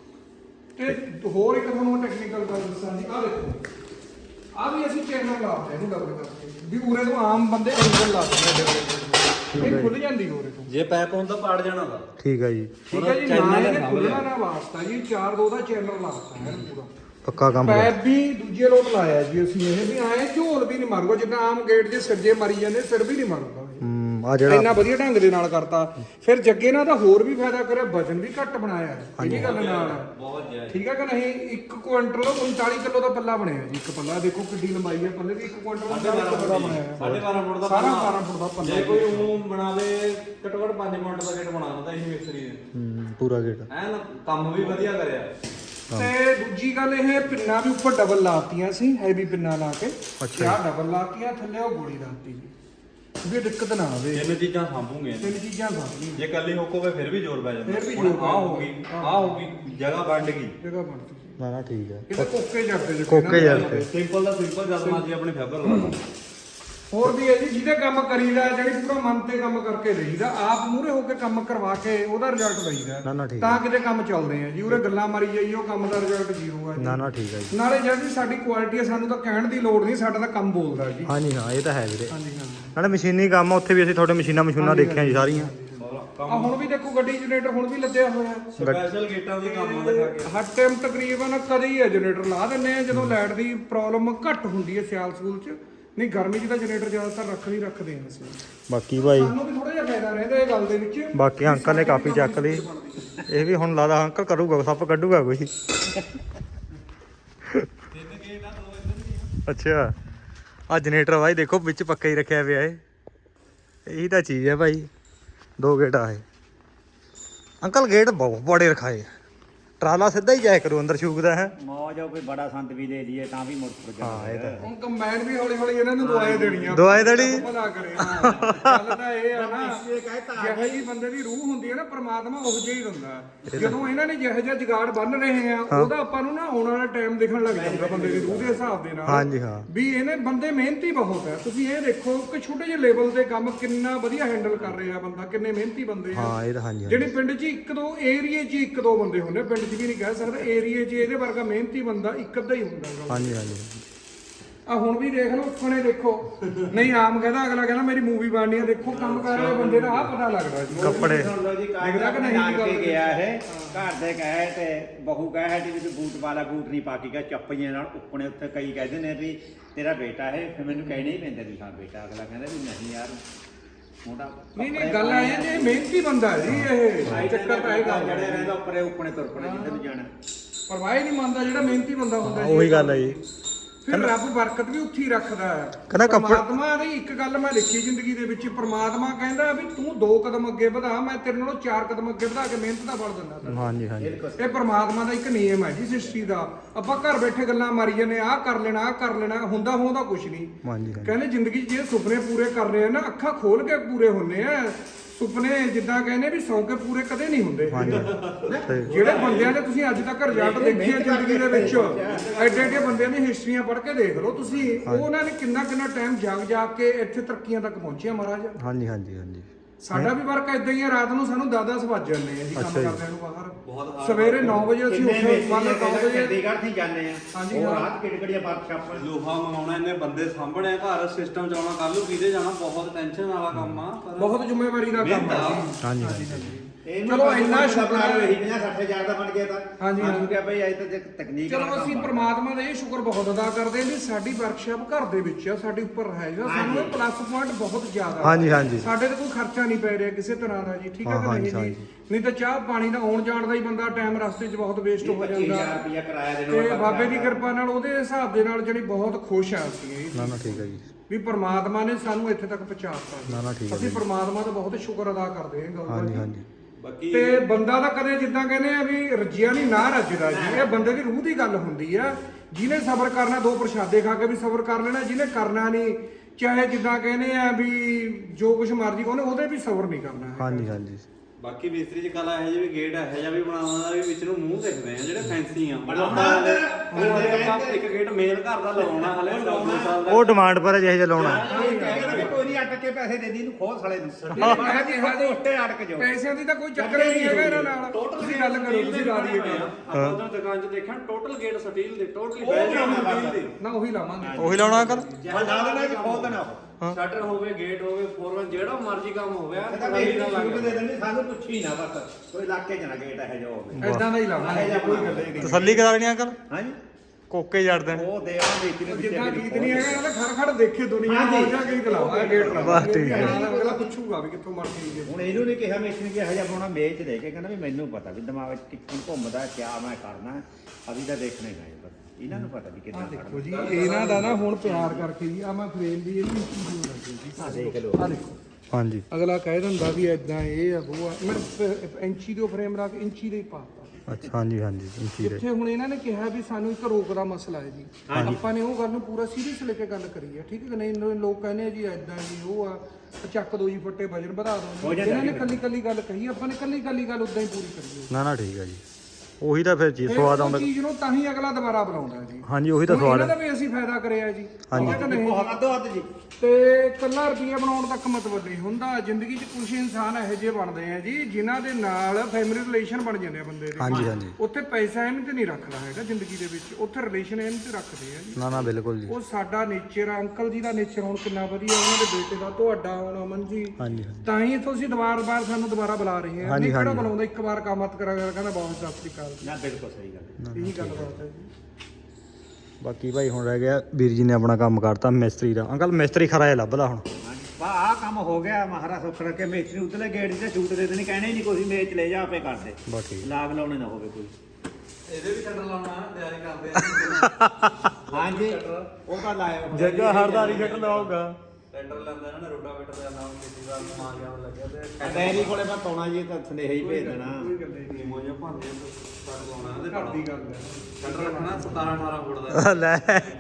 [SPEAKER 3] ਤੇ ਹੋਰ ਇੱਕ ਤੁਹਾਨੂੰ ਟੈਕਨੀਕਲ ਗੱਲ ਦੱਸਾਂ ਜੀ, ਆਹ ਦੇਖੋ ਆ ਵੀ ਅਸੀਂ ਚੈਨਲ ਲਾਉਂਦੇ ਇਹਨੂੰ ਡਬਲ ਕਰਕੇ, ਵੀ ਉਰੇ ਤੋਂ ਆਮ ਬੰਦੇ ਐਂਗਲ ਲਾ ਦਿੰਦੇ ਆ, ਇਹ ਖੁੱਲ ਜਾਂਦੀ ਉਰੇ ਤੋਂ।
[SPEAKER 4] ਜੇ ਪੈਪ ਹੁੰਦਾ ਪਾੜ ਜਾਣਾ ਦਾ।
[SPEAKER 1] ਠੀਕ ਹੈ ਜੀ
[SPEAKER 3] ਠੀਕ ਹੈ ਜੀ, ਨਾ ਇਹਨੇ ਖੁੱਲਣਾ ਨਾ ਵਾਸਤਾ ਜੀ, ਚਾਰ ਦੋ ਦਾ ਚੈਨਲ ਲਾਤਾ ਹੈ ਪੂਰਾ
[SPEAKER 1] ਪੱਕਾ ਕੰਮ ਕਰ।
[SPEAKER 3] ਪੈਪ ਵੀ ਦੂਜੇ ਲੋਟ ਲਾਇਆ ਜੀ ਅਸੀਂ, ਇਹ ਵੀ ਆਏ ਝੋਲ ਵੀ ਨਹੀਂ ਮਾਰੂਗਾ, ਜਿੱਦਾਂ ਆਮ ਗੇਟ ਦੇ ਸਿਰਜੇ ਮਾਰੀ ਜਾਂਦੇ ਸਿਰ ਵੀ ਨਹੀਂ ਮਾਰੂਗਾ।
[SPEAKER 1] ਹੂੰ ਆ ਜਿਹੜਾ
[SPEAKER 3] ਇੰਨਾ ਵਧੀਆ ਢੰਗ ਦੇ ਨਾਲ ਕਰਤਾ। ਫਿਰ ਜੱਗੇ ਨਾਲ ਤਾਂ ਹੋਰ ਵੀ ਫਾਇਦਾ ਕਰਿਆ, ਵਜਨ ਵੀ ਘੱਟ ਬਣਾਇਆ ਇਹਦੀ ਗੱਲ ਨਾਲ।
[SPEAKER 4] ਬਹੁਤ ਜ਼ਿਆਦਾ
[SPEAKER 3] ਠੀਕ ਹੈ ਕਿ ਨਹੀਂ? ਇੱਕ ਕੁਇੰਟਲ ਉਨਤਾਲੀ ਕਿਲੋ ਦਾ ਪੱਲਾ ਬਣਿਆ ਜੀ। ਇੱਕ ਪੱਲਾ ਦੇਖੋ ਕਿੱਡੀ ਲੰਬਾਈ ਹੈ ਪੱਲੇ ਦੀ, ਇੱਕ ਕੁਇੰਟਲ ਉਨਤਾਲੀ ਕਿਲੋ ਦਾ ਬਣਾਇਆ।
[SPEAKER 4] ਸਾਢੇ ਬਾਰਾਂ ਫੁੱਟ ਦਾ
[SPEAKER 3] ਸਾਰਾ ਬਾਰਾਂ ਫੁੱਟ ਦਾ ਪੱਲਾ।
[SPEAKER 4] ਜੇ ਕੋਈ ਉਹ ਬਣਾ ਲੇ ਘੱਟੋ ਘੱਟ ਪੰਜ ਮਿੰਟ ਦਾ ਗੇਟ ਬਣਾ ਦਿੰਦਾ ਇਹ ਮਿਸਤਰੀ ਨੇ।
[SPEAKER 1] ਹੂੰ, ਪੂਰਾ ਗੇਟ
[SPEAKER 4] ਐਨ ਕੰਮ ਵੀ ਵਧੀਆ ਕਰਿਆ।
[SPEAKER 3] ਤੇ ਦੂਜੀ ਗੱਲ ਇਹ ਪਿੰਨਾਂ ਵੀ ਉੱਪਰ ਡਬਲ ਲਾਤੀਆਂ ਸੀ, ਹੈਵੀ ਪਿੰਨਾਂ ਲਾ ਕੇ।
[SPEAKER 1] ਅੱਛਾ।
[SPEAKER 3] ਚਾਰ ਡਬਲ ਲਾਤੀਆਂ, ਥੱਲੇ ਉਹ ਗੋਲੀ ਲਾਤੀ ਜੀ ਵੀ ਦਿੱਕਤ ਨਾ ਆਵੇ।
[SPEAKER 4] ਤਿੰਨ ਚੀਜ਼ਾਂ ਸਾਂਭੂਗੇ
[SPEAKER 3] ਤਿੰਨ ਚੀਜ਼ਾਂ ਸਾਂਭੀਆਂ,
[SPEAKER 4] ਜੇ ਕੱਲੀ ਹੁੱਕ ਹੋਵੇ ਫਿਰ ਵੀ ਜ਼ੋਰ ਪੈ ਜਾਂਦਾ।
[SPEAKER 3] ਫਿਰ ਵੀ
[SPEAKER 4] ਹੁਣ
[SPEAKER 3] ਜ਼ੋਰ ਪੈ
[SPEAKER 4] ਆਹ
[SPEAKER 3] ਜਾਂਦਾ।
[SPEAKER 4] ਹੋ ਗਈ ਆਹ ਹੋ ਗਈ ਜਗ੍ਹਾ ਵੰਡ ਗਈ।
[SPEAKER 3] ਜਗ੍ਹਾ ਬਣਦੀ ਸੀ।
[SPEAKER 1] ਨਾ ਨਾ ਠੀਕ ਹੈ।
[SPEAKER 3] ਇਹ ਤਾਂ ਕੋਕੇ ਜੜਦੇ ਜੀ
[SPEAKER 1] ਕੋਕੇ ਜੜਦੇ।
[SPEAKER 4] ਸਿੰਪਲ ਦਾ ਸਿੰਪਲ ਜਦ ਮਾਜੀ ਆਪਣੇ ਫੈਬਰ ਲਾ ਲਓ।
[SPEAKER 3] ਹੋਰ ਵੀ ਹੈ ਜੀ, ਜਿਹਦੇ ਕੰਮ ਕਰੀਦਾ ਜਿਹੜੀ ਪੂਰਾ ਮਨ ਤੇ ਕੰਮ ਕਰਕੇ ਰਹੀਦਾ, ਆਪ ਮੂਹਰੇ ਹੋ ਕੇ ਕੰਮ ਕਰਵਾ ਕੇ ਉਹਦਾ ਰਿਜ਼ਲਟ ਲਈਦਾ।
[SPEAKER 1] ਨਾ ਨਾ ਠੀਕ
[SPEAKER 3] ਤਾਂ ਕਿਤੇ ਕੰਮ ਚੱਲਦੇ ਆ ਜੀ। ਉਰੇ ਗੱਲਾਂ ਮਾਰੀ ਜਾਈਏ, ਉਹ ਕੰਮ ਦਾ ਰਿਜ਼ਲਟ ਜ਼ੀਰੋ ਆ ਜੀ।
[SPEAKER 1] ਨਾ ਨਾ ਠੀਕ ਹੈ ਜੀ।
[SPEAKER 3] ਨਾਲੇ ਜਿਹੜੀ ਸਾਡੀ ਕੁਆਲਿਟੀ ਹੈ, ਸਾਨੂੰ ਤਾਂ ਕਹਿਣ ਦੀ ਲੋੜ ਨਹੀਂ, ਸਾਡਾ ਤਾਂ ਕੰਮ ਬੋਲਦਾ ਜੀ।
[SPEAKER 1] ਹਾਂਜੀ ਹਾਂ, ਇਹ ਤਾਂ ਹੈ ਵੀਰੇ।
[SPEAKER 3] ਹਾਂਜੀ ਹਾਂਜੀ।
[SPEAKER 1] ਨਾਲੇ ਮਸ਼ੀਨੀ ਕੰਮ ਆ, ਉੱਥੇ ਵੀ ਅਸੀਂ ਤੁਹਾਡੇ ਮਸ਼ੀਨਾਂ ਮਸ਼ੀਨਾਂ ਦੇਖੀਆਂ ਜੀ ਸਾਰੀਆਂ।
[SPEAKER 3] ਆ ਹੁਣ ਵੀ ਦੇਖੋ ਗੱਡੀ ਜਨਰੇਟਰ ਹੁਣ ਵੀ ਲੱਦਿਆ ਹੋਇਆ।
[SPEAKER 4] ਸਪੈਸ਼ਲ ਗੇਟਾਂ ਦੇ ਕੰਮ ਦਿਖਾ ਕੇ
[SPEAKER 3] ਹਰ ਟਾਈਮ ਤਕਰੀਬਨ ਕਦੇ ਹੀ ਜਨਰੇਟਰ ਲਾ ਦਿੰਨੇ ਆ ਜਦੋਂ ਲਾਈਟ ਦੀ ਪ੍ਰੋਬਲਮ ਘੱਟ ਹੁੰਦੀ ਹੈ ਸਿਆਲ ਸੂਲ ਚ। ਨਹੀਂ ਗਰਮੀ ਚ ਤਾਂ ਜਨਰੇਟਰ ਜ਼ਿਆਦਾਤਰ ਰੱਖ ਹੀ ਰੱਖਦੇ ਆ ਅਸੀਂ।
[SPEAKER 1] ਬਾਕੀ ਭਾਈ
[SPEAKER 3] ਸਾਨੂੰ ਵੀ ਥੋੜਾ ਜਿਹਾ ਫਾਇਦਾ ਰਹਿੰਦਾ ਇਹ ਗੱਲ ਦੇ ਵਿੱਚ।
[SPEAKER 1] ਬਾਕੀ ਅੰਕਲ ਨੇ ਕਾਪੀ ਚੱਕ ਲਈ। ਇਹ ਵੀ ਹੁਣ ਲੱਗਦਾ ਅੰਕਲ ਕਰੂਗਾ, ਸੱਪ ਕੱਢੂਗਾ ਕੋਈ। ਅੱਛਾ, ਆ ਜਨਰੇਟਰ ਭਾਈ ਦੇਖੋ ਵਿੱਚ ਪੱਕਾ ਹੀ ਰੱਖਿਆ ਪਿਆ ਏ। ਇਹੀ ਤਾਂ ਚੀਜ਼ ਹੈ ਭਾਈ। ਦੋ ਗੇਟ ਆਏ ਅੰਕਲ, ਗੇਟ ਬਹੁਤ ਬੜੇ ਰਖਾਏ। ਟਰਾਲਾ ਸਿੱਧਾ ਹੀ ਜਾਇਆ ਕਰੂ ਅੰਦਰ ਸ਼ੂਕ ਦਾ ਹੈ।
[SPEAKER 2] ਮੌਜ ਆ, ਕੋਈ ਬੜਾ ਸੰਦ ਵੀ ਦੇ ਦਈਏ ਤਾਂ ਵੀ ਮੁੜ ਪੁਰ
[SPEAKER 1] ਹਾਂ ਇਹ ਤਾਂ ਹੈ।
[SPEAKER 3] ਹੁਣ ਕੰਬਾਈਨ ਵੀ ਹੌਲੀ ਹੌਲੀ ਇਹਨਾਂ ਨੂੰ ਦਵਾਈ ਦੇਣੀਆਂ।
[SPEAKER 1] ਦਵਾਈ ਦੇਣੀ?
[SPEAKER 3] ਭਲਾ ਕਰੇ। ਹਾਂ, ਗੱਲ ਤਾਂ ਇਹ ਆ ਨਾ, ਜਿਹੋ ਜਿਹੀ ਬੰਦੇ ਦੀ ਰੂਹ ਹੁੰਦੀ ਹੈ ਨਾ, ਪ੍ਰਮਾਤਮਾ ਉਹ ਜਿਹਾ ਹੀ ਦਿੰਦਾ। ਜਦੋਂ ਇਹਨਾਂ ਨੇ ਜਿਹੋ ਜਿਹਾ ਜੁਗਾੜ ਬੰਨ ਰਹੇ ਆ, ਉਹਦਾ ਆਪਾਂ ਨੂੰ ਨਾ ਆਉਣ ਵਾਲਾ ਟਾਈਮ ਦਿਖਣ ਲੱਗ ਜਾਂਦਾ ਬੰਦੇ ਦੀ ਰੂਹ ਦੇ ਹਿਸਾਬ ਦੇ ਨਾਲ।
[SPEAKER 1] ਹਾਂਜੀ ਹਾਂ।
[SPEAKER 3] ਵੀ ਇਹਨੇ ਬੰਦੇ ਮਿਹਨਤੀ ਬਹੁਤ ਹੈ। ਤੁਸੀਂ ਇਹ ਦੇਖੋ ਕਿ ਛੋਟੇ ਜਿਹੇ ਲੈਵਲ ਦੇ ਕੰਮ ਕਿੰਨਾ ਵਧੀਆ ਹੈਂਡਲ ਕਰ ਰਿਹਾ ਬੰਦਾ, ਕਿੰਨੇ ਮਿਹਨਤੀ ਬੰਦੇ ਆ।
[SPEAKER 1] ਹਾਂ ਇਹ ਤਾਂ ਹਾਂਜੀ
[SPEAKER 3] ਜਿਹੜੀ ਪਿੰਡ 'ਚ ਇੱਕ ਦੋ ਏਰੀਏ 'ਚ ਇੱਕ ਦੋ ਬੰਦੇ ਹੁੰਦੇ, ਪਿੰਡ 'ਚ ਵੀ ਨਹੀਂ ਕਹਿ ਸਕਦੇ, ਏਰੀਏ 'ਚ ਇਹਦੇ ਵਰਗਾ ਮਿਹਨਤੀ ਬੰਦਾ ਇੱਕ ਅੱਧਾ ਹੀ ਹੁੰਦਾ ਹੈਗਾ।
[SPEAKER 1] ਹਾਂਜੀ ਹਾਂਜੀ।
[SPEAKER 3] ਆ ਹੁਣ ਵੀ ਦੇਖ ਲਓ, ਉੱਪਣੇ ਦੇਖੋ। ਨਹੀਂ ਆਮ ਕਹਿੰਦਾ ਅਗਲਾ ਕਹਿੰਦਾ ਮੇਰੀ ਮੂਵੀ ਬਣਨੀ ਆ। ਦੇਖੋ ਕੰਮ ਕਰ ਰਹੇ ਬੰਦੇ ਦਾ ਆ ਪਤਾ ਲੱਗਦਾ ਜੀ।
[SPEAKER 1] ਕੱਪੜੇ
[SPEAKER 2] ਸੁਣ ਲਓ ਜੀ,
[SPEAKER 3] ਦਿਖਦਾ ਕਿ ਨਹੀਂ
[SPEAKER 2] ਜਾਣ
[SPEAKER 3] ਦੀ ਗੱਲ
[SPEAKER 2] ਕੇ ਗਿਆ ਇਹ ਘਰ ਦੇ ਕਹੇ ਤੇ ਬਹੂ ਕਹੇ ਕਿ ਵੀ ਬੂਟ ਵਾਲਾ ਬੂਟ ਨਹੀਂ ਪਾ ਕੇ ਗਿਆ, ਚੱਪਲੀਆਂ ਨਾਲ ਉੱਪਣੇ ਉੱਤੇ। ਕਈ ਕਹਿੰਦੇ ਨੇ ਵੀ ਤੇਰਾ ਬੇਟਾ ਹੈ, ਫਿਰ ਮੈਨੂੰ ਕਹਿਣਾ ਹੀ ਪੈਂਦਾ ਵੀ ਹਾਂ ਬੇਟਾ। ਅਗਲਾ ਕਹਿੰਦਾ ਵੀ ਨਹੀਂ ਯਾਰ ਮੋਟਾ।
[SPEAKER 3] ਨਹੀਂ ਨਹੀਂ ਗੱਲ ਆਏ ਆ ਜੀ, ਮਿਹਨਤੀ ਬੰਦਾ ਹੈ ਜੀ ਇਹ। ਚੱਕਰ ਤਾਂ ਇਹ ਗੱਲ
[SPEAKER 2] ਜੜੇ ਰਹਿੰਦਾ ਉੱਪਰੇ ਉੱਪਣੇ ਤੁਰਪਣੇ ਜਿੱਦਾਂ ਨੂੰ ਜਾਣਾ।
[SPEAKER 3] ਪਰਵਾਹ ਹੀ ਨਹੀਂ ਮੰਨਦਾ ਜਿਹੜਾ ਮਿਹਨਤੀ ਬੰਦਾ ਹੁੰਦਾ ਜੀ।
[SPEAKER 1] ਉਹੀ ਗੱਲ ਹੈ ਜੀ।
[SPEAKER 3] ਫਿਰ ਰੱਬ ਬਰਕਤ ਵੀ ਉੱਥੇ ਹੀ ਰੱਖਦਾ ਹੈ।
[SPEAKER 1] ਕਹਿੰਦਾ ਕੱਪੜਾ-
[SPEAKER 3] ਪਰਮਾਤਮਾ ਦੀ ਇੱਕ ਗੱਲ ਮੈਂ ਦੇਖੀ ਜ਼ਿੰਦਗੀ ਦੇ ਵਿੱਚ, ਪਰਮਾਤਮਾ ਕਹਿੰਦਾ ਵੀ ਤੂੰ ਦੋ ਕਦਮ ਅੱਗੇ ਵਧਾ, ਮੈਂ ਤੇਰੇ ਨਾਲੋਂ ਚਾਰ ਕਦਮ ਅੱਗੇ ਵਧਾ ਕੇ ਮਿਹਨਤ ਦਾ ਫਲ ਦਿੰਦਾ ਤੈਨੂੰ।
[SPEAKER 1] ਹਾਂਜੀ ਹਾਂਜੀ।
[SPEAKER 3] ਇਹ ਪਰਮਾਤਮਾ ਦਾ ਇੱਕ ਨਿਯਮ ਹੈ ਜੀ ਸ੍ਰਿਸ਼ਟੀ ਦਾ। ਆਪਾਂ ਘਰ ਬੈਠੇ ਗੱਲਾਂ ਮਾਰੀ ਜਾਂਦੇ, ਆਹ ਕਰ ਲੈਣਾ ਆਹ ਕਰ ਲੈਣਾ, ਹੁੰਦਾ ਹੋਦਾ ਕੁਝ ਨਹੀਂ।
[SPEAKER 1] ਹਾਂਜੀ ਹਾਂਜੀ।
[SPEAKER 3] ਕਹਿੰਦੇ ਜ਼ਿੰਦਗੀ 'ਚ ਜੇ ਸੁਪਨੇ ਪੂਰੇ ਕਰ ਰਹੇ ਆ ਨਾ, ਅੱਖਾਂ ਖੋਲ ਕੇ ਪੂਰੇ ਹੁੰਦੇ ਆ ਸੁਪਨੇ। ਜਿੱਦਾਂ ਕਹਿੰਦੇ ਵੀ ਸੌਂ ਕੇ ਪੂਰੇ ਕਦੇ ਨਹੀਂ ਹੁੰਦੇ। ਜਿਹੜੇ ਬੰਦਿਆਂ ਦੇ ਤੁਸੀਂ ਅੱਜ ਤੱਕ ਰਿਜ਼ਲਟ ਦੇਖੇ ਆ ਜ਼ਿੰਦਗੀ ਦੇ ਵਿੱਚ, ਐਡੇ ਐਡੇ ਬੰਦਿਆਂ ਦੀ ਹਿਸਟਰੀਆਂ ਪੜ੍ਹ ਕੇ ਦੇਖ ਲਓ ਤੁਸੀਂ। ਉਹਨਾਂ ਨੇ ਕਿੰਨਾ ਕਿੰਨਾ ਟਾਈਮ ਜਾਗ ਜਾਗ ਕੇ ਇੱਥੇ ਤਰੱਕੀਆਂ ਤੱਕ ਪਹੁੰਚਿਆ ਮਹਾਰਾਜ।
[SPEAKER 1] ਹਾਂਜੀ ਹਾਂਜੀ ਹਾਂਜੀ।
[SPEAKER 3] ਸਾਡਾ ਵੀ ਵਰਕ ਇਦਾਂ ਹੀ ਆ, ਰਾਤ ਨੂੰ ਸਾਨੂੰ ਦਸ ਦਸ ਵੱਜ ਜਾਂਦੇ ਆ ਜੀ ਕੰਮ
[SPEAKER 1] ਅੱਛਾ ਜੀ।
[SPEAKER 3] ਕਰਦਿਆਂ ਨੂੰ ਬਾਹਰ। ਸਵੇਰੇ ਨੌ ਵਜੇ ਅਸੀਂ ਉੱਠੇ, ਮੰਨ ਲਓ ਨੌ ਵਜੇ
[SPEAKER 2] ਚੰਡੀਗੜ੍ਹ થી ਜਾਂਦੇ ਆ।
[SPEAKER 3] ਹਾਂਜੀ,
[SPEAKER 2] ਉਹ
[SPEAKER 3] ਹਾਂ।
[SPEAKER 2] ਰਾਤ ਕਿਹੜੀ ਕਿਹੜੀਆਂ ਵਰਕਸ਼ਾਪਾਂ।
[SPEAKER 4] ਲੋਹਾ ਮੰਗਾਉਣਾ, ਇਹਨੇ ਬੰਦੇ ਸਾਂਭਣੇ, ਘਰ ਸਿਸਟਮ ਚਲਾਉਣਾ, ਕੱਲ ਨੂੰ ਕਿਹਦੇ ਜਾਣਾ, ਬਹੁਤ ਟੈਨਸ਼ਨ ਵਾਲਾ ਕੰਮ ਆ। ਪਰ
[SPEAKER 3] ਬਹੁਤ ਜ਼ਿੰਮੇਵਾਰੀ ਦਾ ਕੰਮ ਹੈ ਜੀ।
[SPEAKER 1] ਹਾਂਜੀ ਹਾਂਜੀ।
[SPEAKER 3] ਚਲੋ ਇੰਨਾ ਸ਼ੁਕਰ ਹੈ।
[SPEAKER 2] ਇਹੀ ਪੰਜਾਹ ਸੱਠ ਹਜ਼ਾਰ ਦਾ ਬਣ ਗਿਆ ਤਾਂ।
[SPEAKER 3] ਹਾਂਜੀ, ਹਾਂ।
[SPEAKER 2] ਸਾਨੂੰ ਕਿਹਾ ਬਈ ਅੱਜ ਤਾਂ ਤਕਨੀਕ ਨਾਲ
[SPEAKER 3] ਚਲੋ
[SPEAKER 2] ਕੰਮ
[SPEAKER 3] ਅਸੀਂ
[SPEAKER 2] ਬਣਦਾ।
[SPEAKER 3] ਪ੍ਰਮਾਤਮਾ ਦਾ ਇਹ ਸ਼ੁਕਰ ਬਹੁਤ ਅਦਾ ਕਰਦੇ ਹਾਂ ਵੀ ਸਾਡੀ ਵਰਕਸ਼ਾਪ ਘਰ ਦੇ ਵਿੱਚ ਆ, ਸਾਡੇ ਉੱਪਰ ਹੈ ਜਾਂ ਸਾਨੂੰ ਇਹ ਪਲੱਸ ਪੁਆਇੰਟ ਬਹੁਤ ਜ਼ਿਆਦਾ।
[SPEAKER 1] ਹਾਂਜੀ ਹਾਂਜੀ।
[SPEAKER 3] ਸਾਡੇ ਤੇ ਕੋਈ ਖਰਚਾ ਨਹੀਂ ਪੈ ਰਿਹਾ ਕਿਸੇ ਤਰ੍ਹਾਂ ਦਾ ਜੀ। ਠੀਕ ਹੈ ਕਿ
[SPEAKER 1] ਹਾਂ,
[SPEAKER 3] ਨਹੀਂ
[SPEAKER 1] ਹਾਂਜੀ,
[SPEAKER 3] ਜੀ? ਨਹੀਂ ਤਾਂ ਚਾਹ ਪਾਣੀ ਦਾ ਆਉਣ ਜਾਣ ਦਾ ਹੀ ਬੰਦਾ ਟਾਈਮ ਰਸਤੇ 'ਚ ਬਹੁਤ ਵੇਸਟ ਹੋ
[SPEAKER 2] ਪੱਚੀ
[SPEAKER 3] ਜਾਂਦਾ।
[SPEAKER 2] ਹਜ਼ਾਰ ਰੁਪਇਆ ਕਿਰਾਇਆ ਦੇਣਾ
[SPEAKER 3] ਤੇ ਬਾਬੇ ਦੀ ਕਿਰਪਾ ਨਾਲ ਉਹਦੇ ਹਿਸਾਬ ਦੇ ਨਾਲ ਜਿਹੜੀ ਬਹੁਤ ਖੁਸ਼ ਆ ਅਸੀਂ
[SPEAKER 1] ਨਾ ਨਾ ਠੀਕ ਹੈ ਜੀ।
[SPEAKER 3] ਵੀ ਪ੍ਰਮਾਤਮਾ ਨੇ ਸਾਨੂੰ ਇੱਥੇ ਤੱਕ ਪਹੁੰਚਾਤਾ।
[SPEAKER 1] ਨਾ ਨਾ ਠੀਕ ਹੈ
[SPEAKER 3] ਅਸੀਂ
[SPEAKER 1] ਜੀ।
[SPEAKER 3] ਪ੍ਰਮਾਤਮਾ ਦਾ ਬਹੁਤ ਸ਼ੁਕਰ ਅਦਾ ਕਰਦੇ ਹਾਂ ਗੌਰਵ
[SPEAKER 1] ਹਾਂਜੀ
[SPEAKER 3] ਜੀ।
[SPEAKER 1] ਹਾਂਜੀ।
[SPEAKER 4] ਬਾਕੀ
[SPEAKER 3] ਤੇ ਬੰਦਾ ਤਾਂ ਕਦੇ ਜਿੱਦਾਂ ਕਹਿੰਦੇ ਆ ਵੀ ਰੱਜਿਆ ਨਹੀਂ ਨਾ ਰੱਜਦਾ ਜੀ। ਇਹ ਬੰਦੇ ਦੀ ਰੂਹ ਦੀ ਗੱਲ ਹੁੰਦੀ ਆ। ਜਿਹਨੇ ਸਬਰ ਕਰਨਾ, ਦੋ ਪ੍ਰਸ਼ਾਦੇ ਖਾ ਕੇ ਵੀ ਸਬਰ ਕਰ ਲੈਣਾ। ਜਿਹਨੇ ਕਰਨਾ ਨਹੀਂ, ਚਾਹੇ ਜਿੱਦਾਂ ਕਹਿੰਦੇ ਆ ਵੀ ਜੋ ਕੁਝ ਮਰਜ਼ੀ ਉਹਨੇ ਉਹਦੇ ਵੀ ਸਬਰ ਨਹੀਂ ਕਰਨਾ ਹੈ।
[SPEAKER 1] ਹਾਂਜੀ ਹਾਂਜੀ।
[SPEAKER 4] ਬਾਕੀ ਮਿਸਤਰੀ ਚ ਕਲਾ ਇਹੋ ਜਿਹੀ ਵੀ ਗੇਟ ਇਹੋ ਜਿਹਾ ਵੀ ਬਣਾਉਣਾ ਵੀ ਵਿੱਚ ਨੂੰ ਮੂੰਹ ਦਿਖਦੇ ਆ ਜਿਹੜੇ ਫੈਂਸੀ ਆ।
[SPEAKER 2] ਬਣਾਉਣਾ
[SPEAKER 4] ਉਹ ਹਲੇ ਆਪਾਂ ਇੱਕ ਗੇਟ ਮੇਲ ਘਰ ਦਾ ਲਵਾਉਣਾ, ਹਲੇ ਦੋ ਸਾਲ ਦਾ।
[SPEAKER 1] ਉਹ ਡਿਮਾਂਡ ਪਰ ਜਿਹੇ ਜਿਹਾ ਲਾਉਣਾ।
[SPEAKER 2] ਕਹਿੰਦਾ ਵੀ ਕੋਈ ਨਹੀਂ ਅਟਕ ਕੇ ਪੈਸੇ ਦੇ ਦੀ ਇਹਨੂੰ ਖੋਲ ਸਾਲੇ ਨੂੰ।
[SPEAKER 3] ਇਹ ਜੀ ਹਾਂ ਜੀ,
[SPEAKER 2] ਉੱਤੇ ਅਟਕ ਜਾਓ।
[SPEAKER 3] ਪੈਸਿਆਂ ਦੀ ਤਾਂ ਕੋਈ ਚੱਕਰ ਹੀ ਨਹੀਂ ਹੈਗਾ ਇਹਨਾਂ ਨਾਲ। ਤੁਸੀਂ ਗੱਲ ਕਰੋ, ਤੁਸੀਂ ਲਾ ਦਈਏ ਗੱਲ।
[SPEAKER 4] ਆਪਾਂ ਉਦੋਂ ਦੁਕਾਨ 'ਚ ਦੇਖਿਆ ਟੋਟਲ ਗੇਟ ਸਟੀਲ ਦੇ, ਟੋਟਲੀ ਬੈਲਟ ਦੇ।
[SPEAKER 3] ਨਾ ਉਹੀ ਲਾਵਾਂਗੇ।
[SPEAKER 1] ਉਹੀ ਲਾਉਣਾ ਅੰਕਲ।
[SPEAKER 2] ਮੈਂ ਲਾ ਦੇਣਾ ਕਿ ਖੋਲ ਦੇਣਾ ਉਹ।
[SPEAKER 4] ਸ਼ਟਰ ਹੋਵੇ, ਗੇਟ ਹੋਵੇ, ਫੋਰਵਨ ਜਿਹੜਾ ਮਰਜ਼ੀ ਕੰਮ ਹੋਵੇ ਆ
[SPEAKER 2] ਕਹਿੰਦਾ ਵੀ ਇਹਨੂੰ ਸ਼ੁਰੂ ਦੇ ਦੇਣੀ, ਸਾਨੂੰ ਪੁੱਛੀ ਨਾ ਬਸ। ਕੋਈ ਇਲਾਕੇ 'ਚ ਨਾ ਗੇਟ ਇਹੋ ਜਿਹਾ ਹੋਵੇ।
[SPEAKER 3] ਐਦਾਂ ਦਾ ਹੀ ਲਾਵਾਂਗੇ, ਕੋਈ ਗੱਲ ਹੀ ਨਹੀਂ।
[SPEAKER 1] ਤਸੱਲੀ ਕਰਾ ਲੈਣੀ ਅੰਕਲ।
[SPEAKER 2] ਹਾਂਜੀ
[SPEAKER 1] ਕੋਕੇ ਜੜ ਦੇਣ
[SPEAKER 2] ਉਹ ਦੇ ਆ ਮੇਤੀ ਨੇ
[SPEAKER 3] ਜਿੱਦਾਂ ਗੀਤ ਨਹੀਂ ਹੈਗਾ ਇਹਦਾ ਖੜ ਖੜ ਦੇਖੇ ਦੁਨੀਆ ਹੋ ਜਾ ਗੀਤ ਲਾਵਾ ਗੇਟ ਲਾਵਾ
[SPEAKER 1] ਬਸ ਠੀਕ ਹੈ।
[SPEAKER 3] ਅਗਲਾ ਪੁੱਛੂਗਾ ਵੀ ਕਿੱਥੋਂ ਮਰਦੀ ਹੈ
[SPEAKER 2] ਹੁਣ ਇਹਨੂੰ ਨਹੀਂ ਕਿਹਾ ਮੇਤੀ ਨੇ ਕਿਹਾ ਜਿਹਾ ਪਾਉਣਾ ਮੇਚ ਦੇ ਕੇ ਕਹਿੰਦਾ ਵੀ ਮੈਨੂੰ ਪਤਾ ਵੀ ਦਿਮਾਗ ਵਿੱਚ ਕਿੱਥੇ ਘੁੰਮਦਾ ਕਿਆ ਮੈਂ ਕਰਨਾ ਅਭੀ ਤਾਂ ਦੇਖਣੇ ਗਏ ਬਸ ਇਹਨਾਂ ਨੂੰ ਪਤਾ ਵੀ ਕਿੱਦਾਂ
[SPEAKER 3] ਆ ਦੇਖੋ ਜੀ ਇਹਨਾਂ ਦਾ ਨਾ ਹੁਣ ਪਿਆਰ ਕਰਕੇ ਜੀ ਆ ਮੈਂ ਫਰੇਮ ਵੀ ਇਹਦੀ ਉੱਚੀ ਹੋ ਲੱਗੀ ਜੀ
[SPEAKER 2] ਆ ਦੇਖ ਲਓ
[SPEAKER 3] ਆ ਦੇਖੋ
[SPEAKER 1] ਹਾਂਜੀ
[SPEAKER 3] ਅਗਲਾ ਕਹਿ ਦਿੰਦਾ ਵੀ ਇਦਾਂ ਇਹ ਆ ਉਹ ਆ ਮੈਂ ਪ- ਇੰਚੀ ਦੇ ਫਰੇਮ ਰੱਖ ਇੰਚੀ ਦੇ ਹੀ ਪਾਤਾ
[SPEAKER 1] ਅੱਛਾ ਹਾਂਜੀ ਹਾਂਜੀ ਇੰਚੀ ਦੇ
[SPEAKER 3] ਇੱਥੇ ਹੁਣ ਇਹਨਾਂ ਨੇ ਕਿਹਾ ਵੀ ਸਾਨੂੰ ਇੱਕ ਰੋਕ ਦਾ ਮਸਲਾ ਹੈ ਜੀ ਆਪਾਂ ਨੇ ਉਹ ਗੱਲ ਨੂੰ ਪੂਰਾ ਸੀਰੀਅਸ ਲੈ ਕੇ ਗੱਲ ਕਰੀ ਹੈ ਠੀਕ ਹੈ ਕਿ ਨਹੀਂ ਲੋ- ਲੋਕ ਕਹਿੰਦੇ ਆ ਜੀ ਐਦਾਂ ਜੀ ਉਹ ਆ ਚੱਕ ਦੋ ਜੀ ਫੱਟੇ ਵਜਨ ਵਧਾ ਦੋ ਇਹਨਾਂ ਨੇ ਕੱਲੀ ਕੱਲੀ ਗੱਲ ਕਹੀ ਆਪਾਂ ਨੇ ਕੱਲੀ ਕੱਲੀ ਗੱਲ ਉਦਾਂ ਹੀ ਪੂਰੀ ਕਰੀ ਹੈ
[SPEAKER 1] ਨਾ ਨਾ ਠੀਕ ਹੈ ਜੀ ਉਹੀ ਤਾਂ ਫਿਰ ਚੀਜ਼
[SPEAKER 3] ਫਿਰ
[SPEAKER 1] ਸਵਾਦ
[SPEAKER 3] ਉਹ
[SPEAKER 1] ਆਉਂਦਾ
[SPEAKER 3] ਚੀਜ਼ ਨੂੰ ਤਾਂ ਹੀ ਅਗਲਾ ਦੁਬਾਰਾ ਬੁਲਾਉਂਦਾ ਜੀ
[SPEAKER 1] ਹਾਂਜੀ ਉਹੀ ਤਾਂ
[SPEAKER 3] ਹੁਣ
[SPEAKER 1] ਸਵਾਦ
[SPEAKER 3] ਇਹਨਾਂ
[SPEAKER 1] ਹੈ
[SPEAKER 3] ਦਾ ਵੀ ਅਸੀਂ ਫਾਇਦਾ ਕਰਿਆ ਜੀ
[SPEAKER 1] ਹਾਂਜੀ।
[SPEAKER 3] ਠੀਕ ਹੈ ਕਿ ਨਹੀਂ
[SPEAKER 2] ਬਹੁਤ ਅੱਧੋ ਅੱਧ ਜੀ
[SPEAKER 3] ਤੇ ਕੱਲਾ ਰੁਪਈਆ ਬਣਾਉਣ ਤੱਕ ਮਤਲਬ ਨਹੀਂ ਹੁੰਦਾ ਜ਼ਿੰਦਗੀ 'ਚ ਕੁਝ ਇਨਸਾਨ ਇਹੋ ਜਿਹੇ ਬਣਦੇ ਆ ਜੀ ਜਿਨ੍ਹਾਂ ਦੇ ਨਾਲ ਫੈਮਿਲੀ ਰਿਲੇਸ਼ਨ ਬਣ ਜਾਂਦੇ ਆ ਬੰਦੇ ਦੇ
[SPEAKER 1] ਹਾਂਜੀ ਹਾਂਜੀ
[SPEAKER 3] ਉੱਥੇ ਪੈਸਾ ਇਹਨਾਂ ਤੇ ਨਹੀਂ ਰੱਖਦਾ ਹੈਗਾ ਜ਼ਿੰਦਗੀ ਦੇ ਵਿੱਚ ਉੱਥੇ ਰਿਲੇਸ਼ਨ ਇਹਨਾਂ ਤੇ ਰੱਖਦੇ ਆ ਜੀ
[SPEAKER 1] ਨਾ ਨਾ ਬਿਲਕੁਲ ਜੀ
[SPEAKER 3] ਉਹ ਸਾਡਾ ਨੇਚਰ ਆ ਅੰਕਲ ਜੀ ਦਾ ਨੇਚਰ ਹੁਣ ਕਿੰਨਾ ਵਧੀਆ ਉਹਨਾਂ ਦੇ ਬੇਟੇ ਦਾ ਤੁਹਾਡਾ ਹੁਣ ਅਮਨ ਜੀ
[SPEAKER 1] ਹਾਂਜੀ ਹਾਂਜੀ
[SPEAKER 3] ਤਾਂ ਹੀ ਤੁਸੀਂ ਦੁਬਾਰ-ਬਾਰ ਸਾਨੂੰ ਦੁਬਾਰਾ ਬੁਲਾ ਰਹੇ ਆ
[SPEAKER 1] ਹਾਂਜੀ,
[SPEAKER 3] ਨਹੀਂ ਕਿਹੜਾ
[SPEAKER 1] ਹਾਂਜੀ।
[SPEAKER 3] ਬੁਲਾਉਂਦਾ ਇੱਕ ਵਾਰ ਕੰਮ ਮਤ ਕਰਾ ਕਹਿੰਦਾ ਬਹੁਤ ਸਤਿ ਸ੍ਰੀ ਅਕਾਲ
[SPEAKER 2] ਨਾ ਬਿਲਕੁਲ ਸਹੀ ਗੱਲ ਹੈ।
[SPEAKER 3] ਇਹੀ ਗੱਲ ਬਾਤ ਹੈ ਜੀ
[SPEAKER 1] ਬਾਕੀ ਭਾਈ ਹੁਣ ਰਹਿ ਗਿਆ ਵੀਰ ਜੀ ਨੇ ਆਪਣਾ ਕੰਮ ਕਰਤਾ ਮਿਸਤਰੀ ਦਾ ਅੰਕਲ ਮਿਸਤਰੀ ਖਰਾ ਜਿਹਾ ਲੱਭਦਾ ਹੁਣ
[SPEAKER 2] ਹਾਂਜੀ ਬਾ ਆ ਕੰਮ ਹੋ ਗਿਆ ਮਹਾਰਾ ਸੁੱਖ ਰੱਖੇ ਮੇਚ ਨੂੰ ਉਤਲੇ ਗੇਟ ਤੇ ਛੂਟ ਦੇ ਦੇਣੀ ਕਹਿਣਾ ਹੀ ਨਹੀਂ ਕੋਈ ਮੇਚ ਲੈ ਜਾ ਆਪੇ ਕਰ ਦੇ
[SPEAKER 1] ਬਸ ਠੀਕ
[SPEAKER 2] ਲਾਗ ਲਾਉਣੇ ਨਾ ਹੋਵੇ ਕੋਈ
[SPEAKER 4] ਇਹਦੇ ਵੀ ਸ਼ਟਰ ਲਾਉਣਾ ਤਿਆਰੀ ਕਰਦੇ ਆ
[SPEAKER 2] ਹਾਂਜੀ ਉਹ ਤਾਂ ਲਾਇਆ
[SPEAKER 1] ਜੱਗਾ ਹਰਦਾਰੀ ਛੱਡ ਲਾਊਗਾ
[SPEAKER 4] ਟਰੈਕਟਰ ਲੈਂਦਾ ਇਹਨਾਂ ਨੇ ਰੋਟਾਵੇਟਰ ਦਾ ਨਾਮ ਕੀਤੀ ਦਾ ਸਮਾਨ ਜਾਣ ਲੱਗਿਆ ਤੇ
[SPEAKER 2] ਡੈਰੀ ਕੋਲੇ ਮੈਂ ਪਾਉਣਾ ਜੀ ਤਾਂ ਸੁਨੇਹਾ ਹੀ ਭੇਜ ਦੇਣਾ
[SPEAKER 3] ਕੋਈ ਗੱਲ ਨਹੀਂ
[SPEAKER 4] ਨੀਮੋ ਜਿਹਾ ਭਾਂਦੇ ਸ਼ਟਰ ਲਾਉਣਾ ਇਹਦੇ
[SPEAKER 3] ਘਰ ਦੀ ਗੱਲ ਹੈ
[SPEAKER 4] ਸ਼ਟਰ ਰੱਖਣਾ ਸਤਾਰਾਂ ਅਠਾਰਾਂ ਫੁੱਟ ਦਾ
[SPEAKER 1] ਲੈ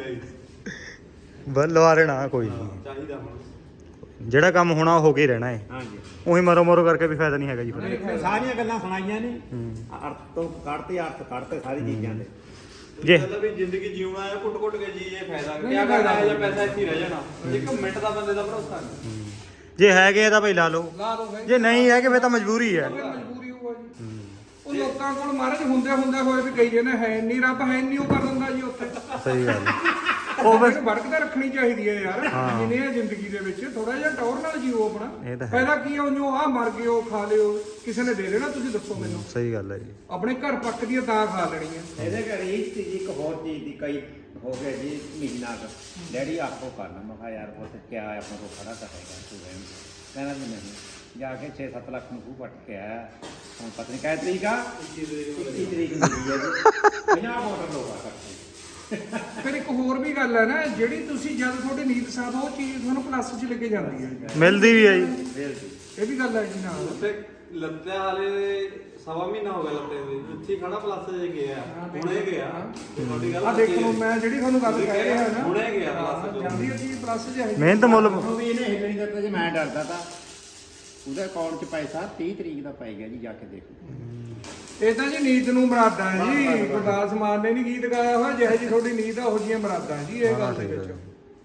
[SPEAKER 1] ਬਸ ਲਵਾ ਰਹਿਣਾ ਕੋਈ ਨਹੀਂ
[SPEAKER 4] ਚਾਹੀਦਾ ਹੁਣ
[SPEAKER 1] ਜਿਹੜਾ ਕੰਮ ਹੋਣਾ ਉਹ ਹੋ ਕੇ ਹੀ ਰਹਿਣਾ ਹੈ
[SPEAKER 2] ਹਾਂਜੀ
[SPEAKER 1] ਉਹੀ ਮਰੋ ਮਰੋ ਕਰਕੇ ਵੀ ਫਾਇਦਾ ਨਹੀਂ ਹੈਗਾ ਜੀ ਫਿਰ
[SPEAKER 2] ਇਹ ਸਾਰੀਆਂ ਗੱਲਾਂ ਸੁਣਾਈਆਂ ਨੇ ਅਰਥ ਤੋਂ ਕੱਢਤੇ ਅਰਥ ਕੱਢਤੇ ਸਾਰੀ ਚੀਜ਼ਾਂ ਦੇ
[SPEAKER 1] ਜੇ
[SPEAKER 4] ਮਤਲਬ ਵੀ ਜ਼ਿੰਦਗੀ ਜਿਉਣਾ ਹੈ ਕੁੱਟ ਕੁੱਟ ਕੇ ਜੀ ਇਹ ਫਾਇਦਾ
[SPEAKER 3] ਨਹੀਂ,
[SPEAKER 4] ਕਿਆ
[SPEAKER 3] ਫਾਇਦਾ
[SPEAKER 4] ਕਰਨਾ ਹੈ ਜਾਂ ਪੈਸਾ ਇੱਥੇ ਹੀ ਰਹਿ ਜਾਣਾ ਇੱਕ ਮਿੰਟ ਦਾ ਬੰਦੇ ਦਾ ਭਰੋਸਾ ਨਹੀਂ
[SPEAKER 1] ਜੇ ਹੈਗੇ ਆ ਤਾਂ ਭਾਈ ਲਾ ਲਓ
[SPEAKER 3] ਲਾ ਦੋ ਭਾਈ
[SPEAKER 1] ਜੇ ਨਹੀਂ ਹੈ ਕਿ ਫਿਰ ਤਾਂ ਮਜਬੂਰੀ ਹੈ
[SPEAKER 3] ਫਿਰ ਮਜਬੂਰੀ ਹੋਊਗਾ ਜੀ ਉਹ ਲੋਕਾਂ ਕੋਲ ਮਹਾਰਾਜ ਹੁੰਦੇ ਹੁੰਦੇ ਹੋਏ ਵੀ ਕਈ ਜਣੇ ਹੈ ਨਹੀਂ ਰੱਬ ਹੈ ਨਹੀਂ ਉਹ ਕਰ ਦਿੰਦਾ ਜੀ ਉੱਥੇ
[SPEAKER 1] ਸਹੀ ਗੱਲ ਹੈ।
[SPEAKER 3] ਉਹ ਫਿਰ ਵਰਕ ਤਾਂ ਰੱਖਣੀ ਚਾਹੀਦੀ ਹੈ ਯਾਰ ਜਿਨੇ ਆ ਜ਼ਿੰਦਗੀ ਦੇ ਵਿੱਚ ਥੋੜਾ ਜਿਹਾ ਟੌਰ ਨਾਲ ਜੀਓ ਆਪਣਾ
[SPEAKER 1] ਇਹ ਤਾਂ ਹੈ।
[SPEAKER 3] ਫਾਇਦਾ ਕੀ ਹੈ ਉਹਨੂੰ ਆ ਮਰ ਗਿਓ ਖਾ ਲਿਓ ਕਿਸੇ ਨੇ ਦੇ ਦੇਣਾ ਤੁਸੀਂ ਦੱਸੋ ਮੈਨੂੰ
[SPEAKER 1] ਸਹੀ ਗੱਲ ਹੈ ਜੀ
[SPEAKER 3] ਆਪਣੇ ਘਰ ਪੱਕਦੀ ਹੈ ਤਾਂ ਖਾ ਲੈਣੀ ਹੈ
[SPEAKER 2] ਇਹਦੇ ਘਰ ਇਹ ਚੀਜ਼ ਇੱਕ ਹੋਰ ਚੀਜ਼ ਦੀ ਕਈ ਹੋ ਗਿਆ ਜੀ ਮਹੀਨਾ ਕੁ ਡੈਡੀ ਆਪੋ ਕਰਨਾ ਮੈਂ ਕਿਹਾ ਯਾਰ ਪੁੱਤ ਕਿਆ ਹੈ ਆਪਾਂ ਕੋ ਖੜਾ ਤਾਂ ਹੈਗਾ ਤੂੰ ਰਹਿਣ ਦੇ। ਕਹਿੰਦਾ ਵੀ ਨਹੀਂ ਜਾ ਕੇ ਛੇ ਸੱਤ ਲੱਖ ਨੂੰ ਖੂਹ ਪੱਟ ਕੇ ਆਇਆ ਹੁਣ ਪਤਾ ਨਹੀਂ ਕਿਹ ਤਰੀਕ ਆ ਇੱਕੀ ਤਰੀਕ ਨੂੰ ਮਿਲੀ ਹੈ ਜੀ ਪੰਜਾਹ ਮੋਟਰ ਲੋਗਾ ਕਰਕੇ
[SPEAKER 3] ਫਿਰ ਇੱਕ ਹੋਰ ਵੀ ਗੱਲ ਹੈ ਨਾ ਜਿਹੜੀ ਤੁਸੀਂ ਜਦ ਤੁਹਾਡੀ ਨੀਤ ਸਾਧ ਉਹ ਚੀਜ਼ ਤੁਹਾਨੂੰ ਪਲੱਸ 'ਚ ਲੱਗੇ ਜਾਂਦੀ ਹੈ
[SPEAKER 1] ਮਿਲਦੀ ਵੀ ਹੈ ਜੀ
[SPEAKER 2] ਫੇਰ ਜੀ
[SPEAKER 3] ਇਹ ਵੀ ਗੱਲ ਹੈ ਜੀ ਨਾਲ
[SPEAKER 4] ਉੱਥੇ ਲੱਤੇ ਹਾਲੇ ਸਵਾ ਮਹੀਨਾ ਹੋ ਗਿਆ ਲੱਤੇ ਦੇ ਉੱਥੇ ਹੀ ਖੜਾ ਪਲੱਸ ਜੇ ਗਿਆ ਹੁਣੇ ਗਿਆ ਤੁਹਾਡੀ ਗੱਲ
[SPEAKER 3] ਆ ਦੇਖੋ ਮੈਂ ਜਿਹੜੀ ਤੁਹਾਨੂੰ ਗੱਲ ਕਹਿ ਰਿਹਾ ਨਾ
[SPEAKER 4] ਹੁਣੇ ਗਿਆ ਪਲੱਸ ਚ
[SPEAKER 3] ਜਾਂਦੀ ਹੈ ਚੀਜ਼ ਪਲੱਸ 'ਚ ਹੈ
[SPEAKER 1] ਮਿਹਨਤ ਮੁੱਲ
[SPEAKER 2] ਉਹ ਵੀ ਇਹਨੇ ਹਿੱਲ ਨਹੀਂ ਦਿੱਤਾ ਜੇ ਮੈਂ ਡਰਦਾ ਤਾਂ ਉਹਦੇ ਅਕਾਊਂਟ 'ਚ ਪੈਸਾ ਤੀਹ ਤਰੀਕ ਦਾ ਪੈ ਗਿਆ ਜੀ ਜਾ ਕੇ ਦੇਖੋ
[SPEAKER 3] ਇਹ ਤਾਂ ਜੀ ਨੀਤ ਨੂੰ ਮਰਾਦਾ ਹੈ ਜੀ ਗੁਰਦਾਸ ਮਾਨ ਨੇ ਨਹੀਂ ਗੀਤ ਗਾਇਆ ਹੋਇਆ ਜਿਹੇ ਜੀ ਤੁਹਾਡੀ ਨੀਤ ਆ ਉਹ ਜੀਆਂ ਮਰਾਦਾ ਜੀ ਇਹ ਗੱਲ ਦੇ ਵਿੱਚ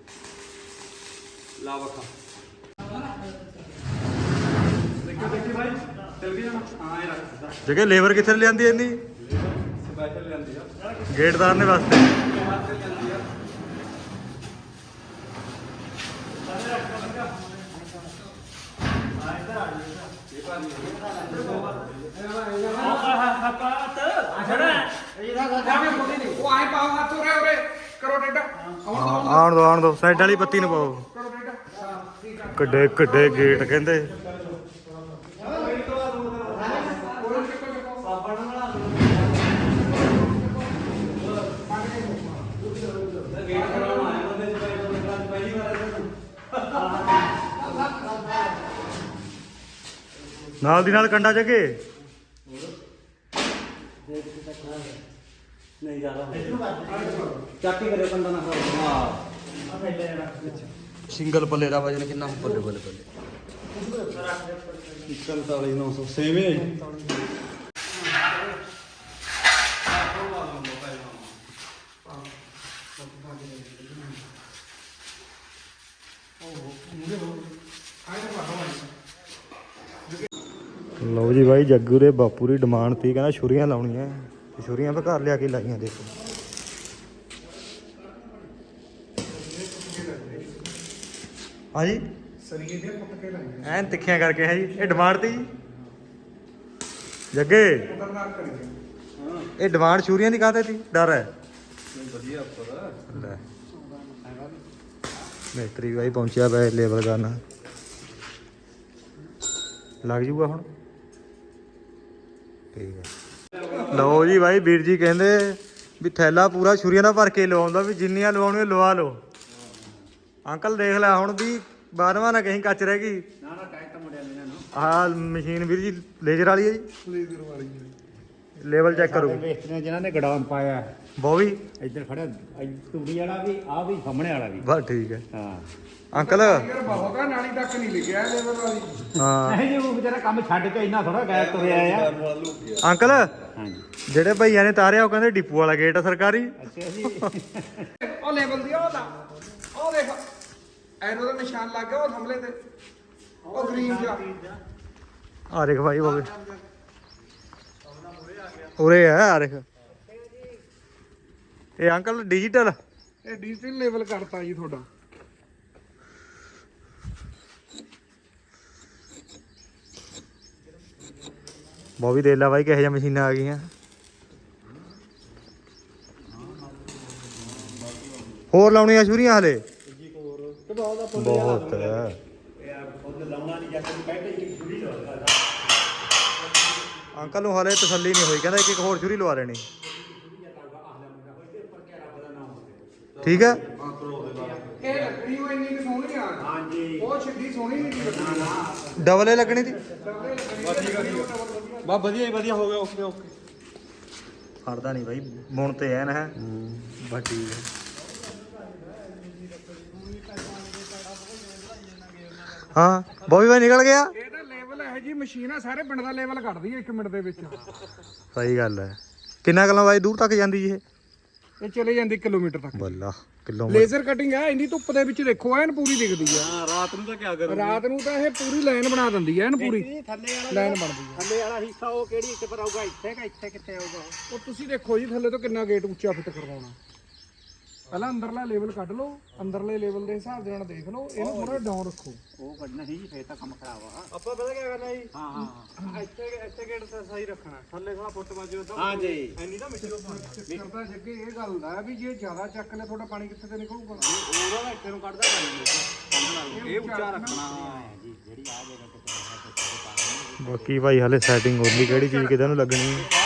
[SPEAKER 4] ਲਾ ਵਖਾ ਦੇਖੋ ਦੇਖੀ ਭਾਈ ਚੱਲ ਗਿਆ ਹਾਂ ਇਹ ਰੱਖ
[SPEAKER 1] ਜਗੇ ਲੇਬਰ ਕਿੱਥੇ ਲਿਆਂਦੀ ਇੰਨੀ
[SPEAKER 4] ਸਪੈਸ਼ਲ ਲੈਂਦੀ ਆ
[SPEAKER 1] ਗੇਟਦਾਰ ਨੇ ਵਾਸਤੇ
[SPEAKER 4] ਵਾਸਤੇ ਲੈਂਦੀ ਆ
[SPEAKER 3] ਉਹ ਆਏ ਪਾਓ ਹੱਥ ਉਰੇ ਉਰੇ ਕਰੋ ਡੇਡਾ ਆਉਣ ਦੋ
[SPEAKER 1] ਆਉਣ ਦੋ ਆਉਣ ਦੋ ਸਾਈਡ ਵਾਲੀ ਪੱਤੀ ਨੂੰ ਪਾਓ
[SPEAKER 3] ਕਰੋ ਡੇਡਾ ਹਾਂ ਠੀਕ ਆ
[SPEAKER 1] ਕਿੱਡੇ ਕਿੱਡੇ ਗੇਟ ਕਹਿੰਦੇ
[SPEAKER 4] ਗੇਟ ਕਰਾਉਣ ਆਏ ਬੰਦੇ ਚ ਪਹਿਲੀ ਵਾਰ
[SPEAKER 1] ਨਾਲ ਦੀ ਨਾਲ ਕੰਡਾ ਜਗੇ
[SPEAKER 2] ਨਹੀਂ ਜ਼ਿਆਦਾ ਚਾਕੀ ਕਰਿਓ ਕੰਦਾ ਨਾ ਹਾਂ
[SPEAKER 1] ਸਿੰਗਲ ਪੱਲੇ ਦਾ ਵਜਨ ਕਿੰਨਾ ਬੱਲੇ ਬੱਲੇ ਬੱਲੇ
[SPEAKER 4] ਇਕਤਾਲੀ ਨੌ ਸੌ ਸੇਮ ਹੈ ਜੀ
[SPEAKER 1] ਲਓ ਜੀ ਬਾਈ ਜੱਗੂ ਦੇ ਬਾਪੂ ਦੀ ਡਿਮਾਂਡ ਤੀ ਕਹਿੰਦਾ ਛੁਰੀਆਂ ਲਾਉਣੀਆਂ ਤੇ ਛੁਰੀਆਂ ਆਪਾਂ ਘਰ ਲਿਆ ਕੇ ਲਾਈਆਂ ਦੇਖੋ ਹਾਂਜੀ
[SPEAKER 3] ਸਰੀਏ ਦੇ ਪੁੱਟ ਕੇ ਲਾਈਏ
[SPEAKER 1] ਐਨ ਤਿੱਖੀਆਂ ਕਰਕੇ ਹੈ ਜੀ ਇਹ ਡਿਮਾਂਡ ਤੀ ਜੱਗੇ
[SPEAKER 3] ਖਤਰਨਾਕ ਕਰੀਏ
[SPEAKER 1] ਇਹ ਡਿਮਾਂਡ ਛੁਰੀਆਂ ਦੀ ਕਾਹਤੇ ਤੀ ਡਰ ਹੈ
[SPEAKER 4] ਵਧੀਆ ਉੱਪਰ
[SPEAKER 1] ਲੈ ਮਿਸਤਰੀ ਬਾਈ ਪਹੁੰਚਿਆ ਪਿਆ ਲੇਬਲ ਕਰਨ ਲੱਗ ਜੂਗਾ ਹੁਣ ਠੀਕ ਹੈ ਲਓ ਜੀ ਬਾਈ ਵੀਰ ਜੀ ਕਹਿੰਦੇ ਵੀ ਥੈਲਾ ਪੂਰਾ ਛੁਰੀਆਂ ਦਾ ਭਰ ਕੇ ਲਵਾਉਂਦਾ ਵੀ ਜਿੰਨੀਆਂ ਲਵਾਉਣੀਆਂ ਲਵਾ ਲਓ ਅੰਕਲ ਦੇਖ ਲੈ ਹੁਣ ਵੀ ਬਾਰਵਾਂ ਨਾ ਕਹੀਂ ਕੱਚ ਰਹਿ ਗਈ
[SPEAKER 2] ਨਾ ਨਾ ਟਾਈਟ ਤਾਂ ਮੁੜਿਆ ਨਹੀਂ ਨਾ
[SPEAKER 1] ਆਹ ਮਸ਼ੀਨ ਵੀਰ ਜੀ ਲੇਜ਼ਰ ਵਾਲੀ ਹੈ ਜੀ
[SPEAKER 3] ਲੇਜ਼ਰ ਵਾਲੀ
[SPEAKER 1] ਲੈਵਲ ਚੈੱਕ ਕਰੋ
[SPEAKER 2] ਵੇਸਟ ਨੇ ਜਿਨ੍ਹਾਂ ਨੇ ਗਡਾਊਨ ਪਾਇਆ
[SPEAKER 1] ਬੋਵੀ
[SPEAKER 2] ਇੱਧਰ ਖੜਾ ਤੂੜੀ ਵਾਲਾ ਵੀ ਆ ਵੀ ਸਾਹਮਣੇ ਵਾਲਾ ਵੀ
[SPEAKER 1] ਬਸ ਠੀਕ ਹੈ
[SPEAKER 2] ਹਾਂ
[SPEAKER 1] ਅੰਕਲ
[SPEAKER 3] ਯਾਰ ਬਹੁਤ ਆ ਨਾਲੀ ਤੱਕ ਨਹੀਂ ਲਿਖਿਆ ਲੇਬਰ ਵਾਲੀ
[SPEAKER 1] ਹਾਂ
[SPEAKER 2] ਨਹੀਂ ਜੀ ਉਹ ਵਿਚਾਰਾ ਕੰਮ ਛੱਡ ਕੇ ਇੰਨਾ ਥੋੜਾ ਗੈਪ ਤੁਰਿਆ ਆ
[SPEAKER 1] ਅੰਕਲ
[SPEAKER 2] ਹਾਂਜੀ
[SPEAKER 1] ਜਿਹੜੇ ਭਈਆਂ ਨੇ ਤਾਰਿਆ ਉਹ ਕਹਿੰਦੇ ਡਿਪੂ ਵਾਲਾ ਗੇਟ ਆ ਸਰਕਾਰੀ
[SPEAKER 2] ਅੱਛਾ ਜੀ
[SPEAKER 3] ਉਹ ਲੈਵਲ ਦੀ ਉਹ ਲਾ ਉਹ ਦੇਖ ਐਰੋ ਦਾ ਨਿਸ਼ਾਨ ਲੱਗ ਗਿਆ ਉਹ ਥੰਬਲੇ ਤੇ ਉਹ ਗ੍ਰੀਨ ਜਿਹਾ
[SPEAKER 1] ਆ ਦੇਖ ਭਾਈ ਉਹ ਉਰੇ ਆ ਆ ਦੇਖ ਇਹ ਅੰਕਲ ਡਿਜੀਟਲ
[SPEAKER 3] ਇਹ ਡਿਜੀਟਲ ਲੈਵਲ ਕਰਤਾ ਜੀ ਤੁਹਾਡਾ
[SPEAKER 1] ਬੋਵੀ ਦੇਖ ਲੈ ਬਾਈ ਕਿਹੋ ਜਿਹੀਆਂ ਮਸ਼ੀਨਾਂ ਆ ਗਈਆਂ ਹੋਰ ਲਾਉਣੀਆਂ ਸ਼ੁਰੀਆਂ ਹਲੇ ਬਹੁਤ ਹੈ ਅੰਕਲ ਨੂੰ ਹਲੇ ਤਸੱਲੀ ਨਹੀਂ ਹੋਈ ਕਹਿੰਦਾ ਇੱਕ ਇੱਕ ਹੋਰ ਛੁਰੀ ਲਵਾ ਲੈਣੀ ਠੀਕ ਹੈ
[SPEAKER 3] ਇਹ ਲੱਕੜੀ ਉਹ ਇੰਨੀ ਕੁ ਸੋਹਣੀ ਆ
[SPEAKER 2] ਹਾਂਜੀ
[SPEAKER 3] ਉਹ ਛੱਡੀ ਸੋਹਣੀ ਨਹੀਂ ਲੱਕੜੀ
[SPEAKER 1] ਡਬਲ ਏ ਲੱਗਣੀ ਦੀ
[SPEAKER 4] ਬਾ ਵਧੀਆ ਹੀ ਵਧੀਆ ਹੋ ਗਿਆ ਓਕੇ ਓਕੇ
[SPEAKER 1] ਫੜਦਾ ਨਹੀਂ ਬਾਈ ਬੁਣ ਤੇ ਐਨ ਹੈ ਬਸ ਠੀਕ ਹੈ ਹਾਂ ਬੋਵੀ ਬਾਈ ਨਿਕਲ ਗਿਆ
[SPEAKER 3] ਇਹ ਤਾਂ ਲੈਵਲ ਇਹ ਜੀ ਮਸ਼ੀਨ ਆ ਸਾਰੇ ਪਿੰਡ ਦਾ ਲੈਵਲ ਕੱਢਦੀ ਹੈ ਇੱਕ ਮਿੰਟ ਦੇ ਵਿੱਚ
[SPEAKER 1] ਸਹੀ ਗੱਲ ਹੈ ਕਿੰਨਾ ਕਿਲੋ ਬਾਈ ਦੂਰ ਤੱਕ ਜਾਂਦੀ ਜੀ ਇਹ
[SPEAKER 3] ਇਹ ਚਲੇ ਜਾਂਦੀ ਕਿਲੋਮੀਟਰ ਤੱਕ
[SPEAKER 1] ਬੱਲਾ ਕਿਲੋ
[SPEAKER 3] ਲੇਜ਼ਰ ਕਟਿੰਗ ਆ ਇੰਨੀ ਧੁੱਪ ਦੇ ਵਿੱਚ ਦੇਖੋ ਐਨ ਪੂਰੀ ਦਿਖਦੀ ਆ
[SPEAKER 4] ਹਾਂ ਰਾਤ ਨੂੰ ਤਾਂ ਕੀ ਕਰੂ
[SPEAKER 3] ਰਾਤ ਨੂੰ ਤਾਂ ਇਹ ਪੂਰੀ ਲਾਈਨ ਬਣਾ ਦਿੰਦੀ ਐ ਐਨ ਪੂਰੀ
[SPEAKER 2] ਥੱਲੇ ਵਾਲਾ
[SPEAKER 3] ਲਾਈਨ ਬਣਦੀ ਆ
[SPEAKER 2] ਥੱਲੇ ਵਾਲਾ ਹਿੱਸਾ ਉਹ ਕਿਹੜੀ ਇੱਥੇ ਪਰ ਆਊਗਾ ਇੱਥੇ ਕਿ ਇੱਥੇ ਕਿੱਥੇ ਆਊਗਾ
[SPEAKER 3] ਉਹ ਤੁਸੀਂ ਦੇਖੋ ਜੀ ਥੱਲੇ ਤੋਂ ਕਿੰਨਾ ਗੇਟ ਉੱਚਾ ਫਿੱਟ ਕਰਵਾਉਣਾ ਪਹਿਲਾਂ ਅੰਦਰਲਾ ਲੈਵਲ ਕੱਢ ਲਓ ਅੰਦਰਲੇ ਲੈਵਲ ਦੇ ਹਿਸਾਬ ਦੇ ਨਾਲ ਦੇਖ ਲਓ ਇਹਨੂੰ ਥੋੜਾ ਡਾਊਨ ਰੱਖੋ
[SPEAKER 2] ਉਹ ਕੱਢਣਾ ਸੀ ਜੀ ਫੇਰ ਤਾਂ ਕੰਮ ਖਰਾਬ ਆ
[SPEAKER 4] ਆਪਾਂ ਪਤਾ ਕੀ ਕਰਨਾ ਜੀ
[SPEAKER 2] ਹਾਂ ਹਾਂ
[SPEAKER 4] ਇੱਥੇ ਇੱਥੇ ਗੇਟ ਤੇ ਸਹੀ ਰੱਖਣਾ ਥੱਲੇ ਥੋੜਾ ਫੁੱਟ ਬਾਜੂ ਤਾਂ
[SPEAKER 2] ਹਾਂ ਜੀ
[SPEAKER 4] ਐਨੀ ਤਾਂ ਮਿੱਟੀ ਉੱਪਰ
[SPEAKER 3] ਕਰਦਾ ਜੱਗੇ ਇਹ ਗੱਲ ਦਾ ਵੀ ਜੇ ਜ਼ਿਆਦਾ ਚੱਕ ਲੈ ਤੁਹਾਡਾ ਪਾਣੀ ਕਿੱਥੇ ਤੇ ਨਿਕਲੂਗਾ
[SPEAKER 4] ਉਹਦਾ ਤਾਂ ਇੱਥੇ ਨੂੰ ਕੱਢਦਾ ਪਾਣੀ ਇਹ ਉੱਚਾ ਰੱਖਣਾ
[SPEAKER 2] ਜੀ ਜਿਹੜੀ ਆ ਜਗ੍ਹਾ ਤੇ
[SPEAKER 1] ਬਾਕੀ ਭਾਈ ਹਲੇ ਸੈਟਿੰਗ ਹੋਣੀ ਕਿਹੜੀ ਚੀਜ਼ ਕਿਦਾਂ ਨੂੰ ਲੱਗਣੀ ਹੈ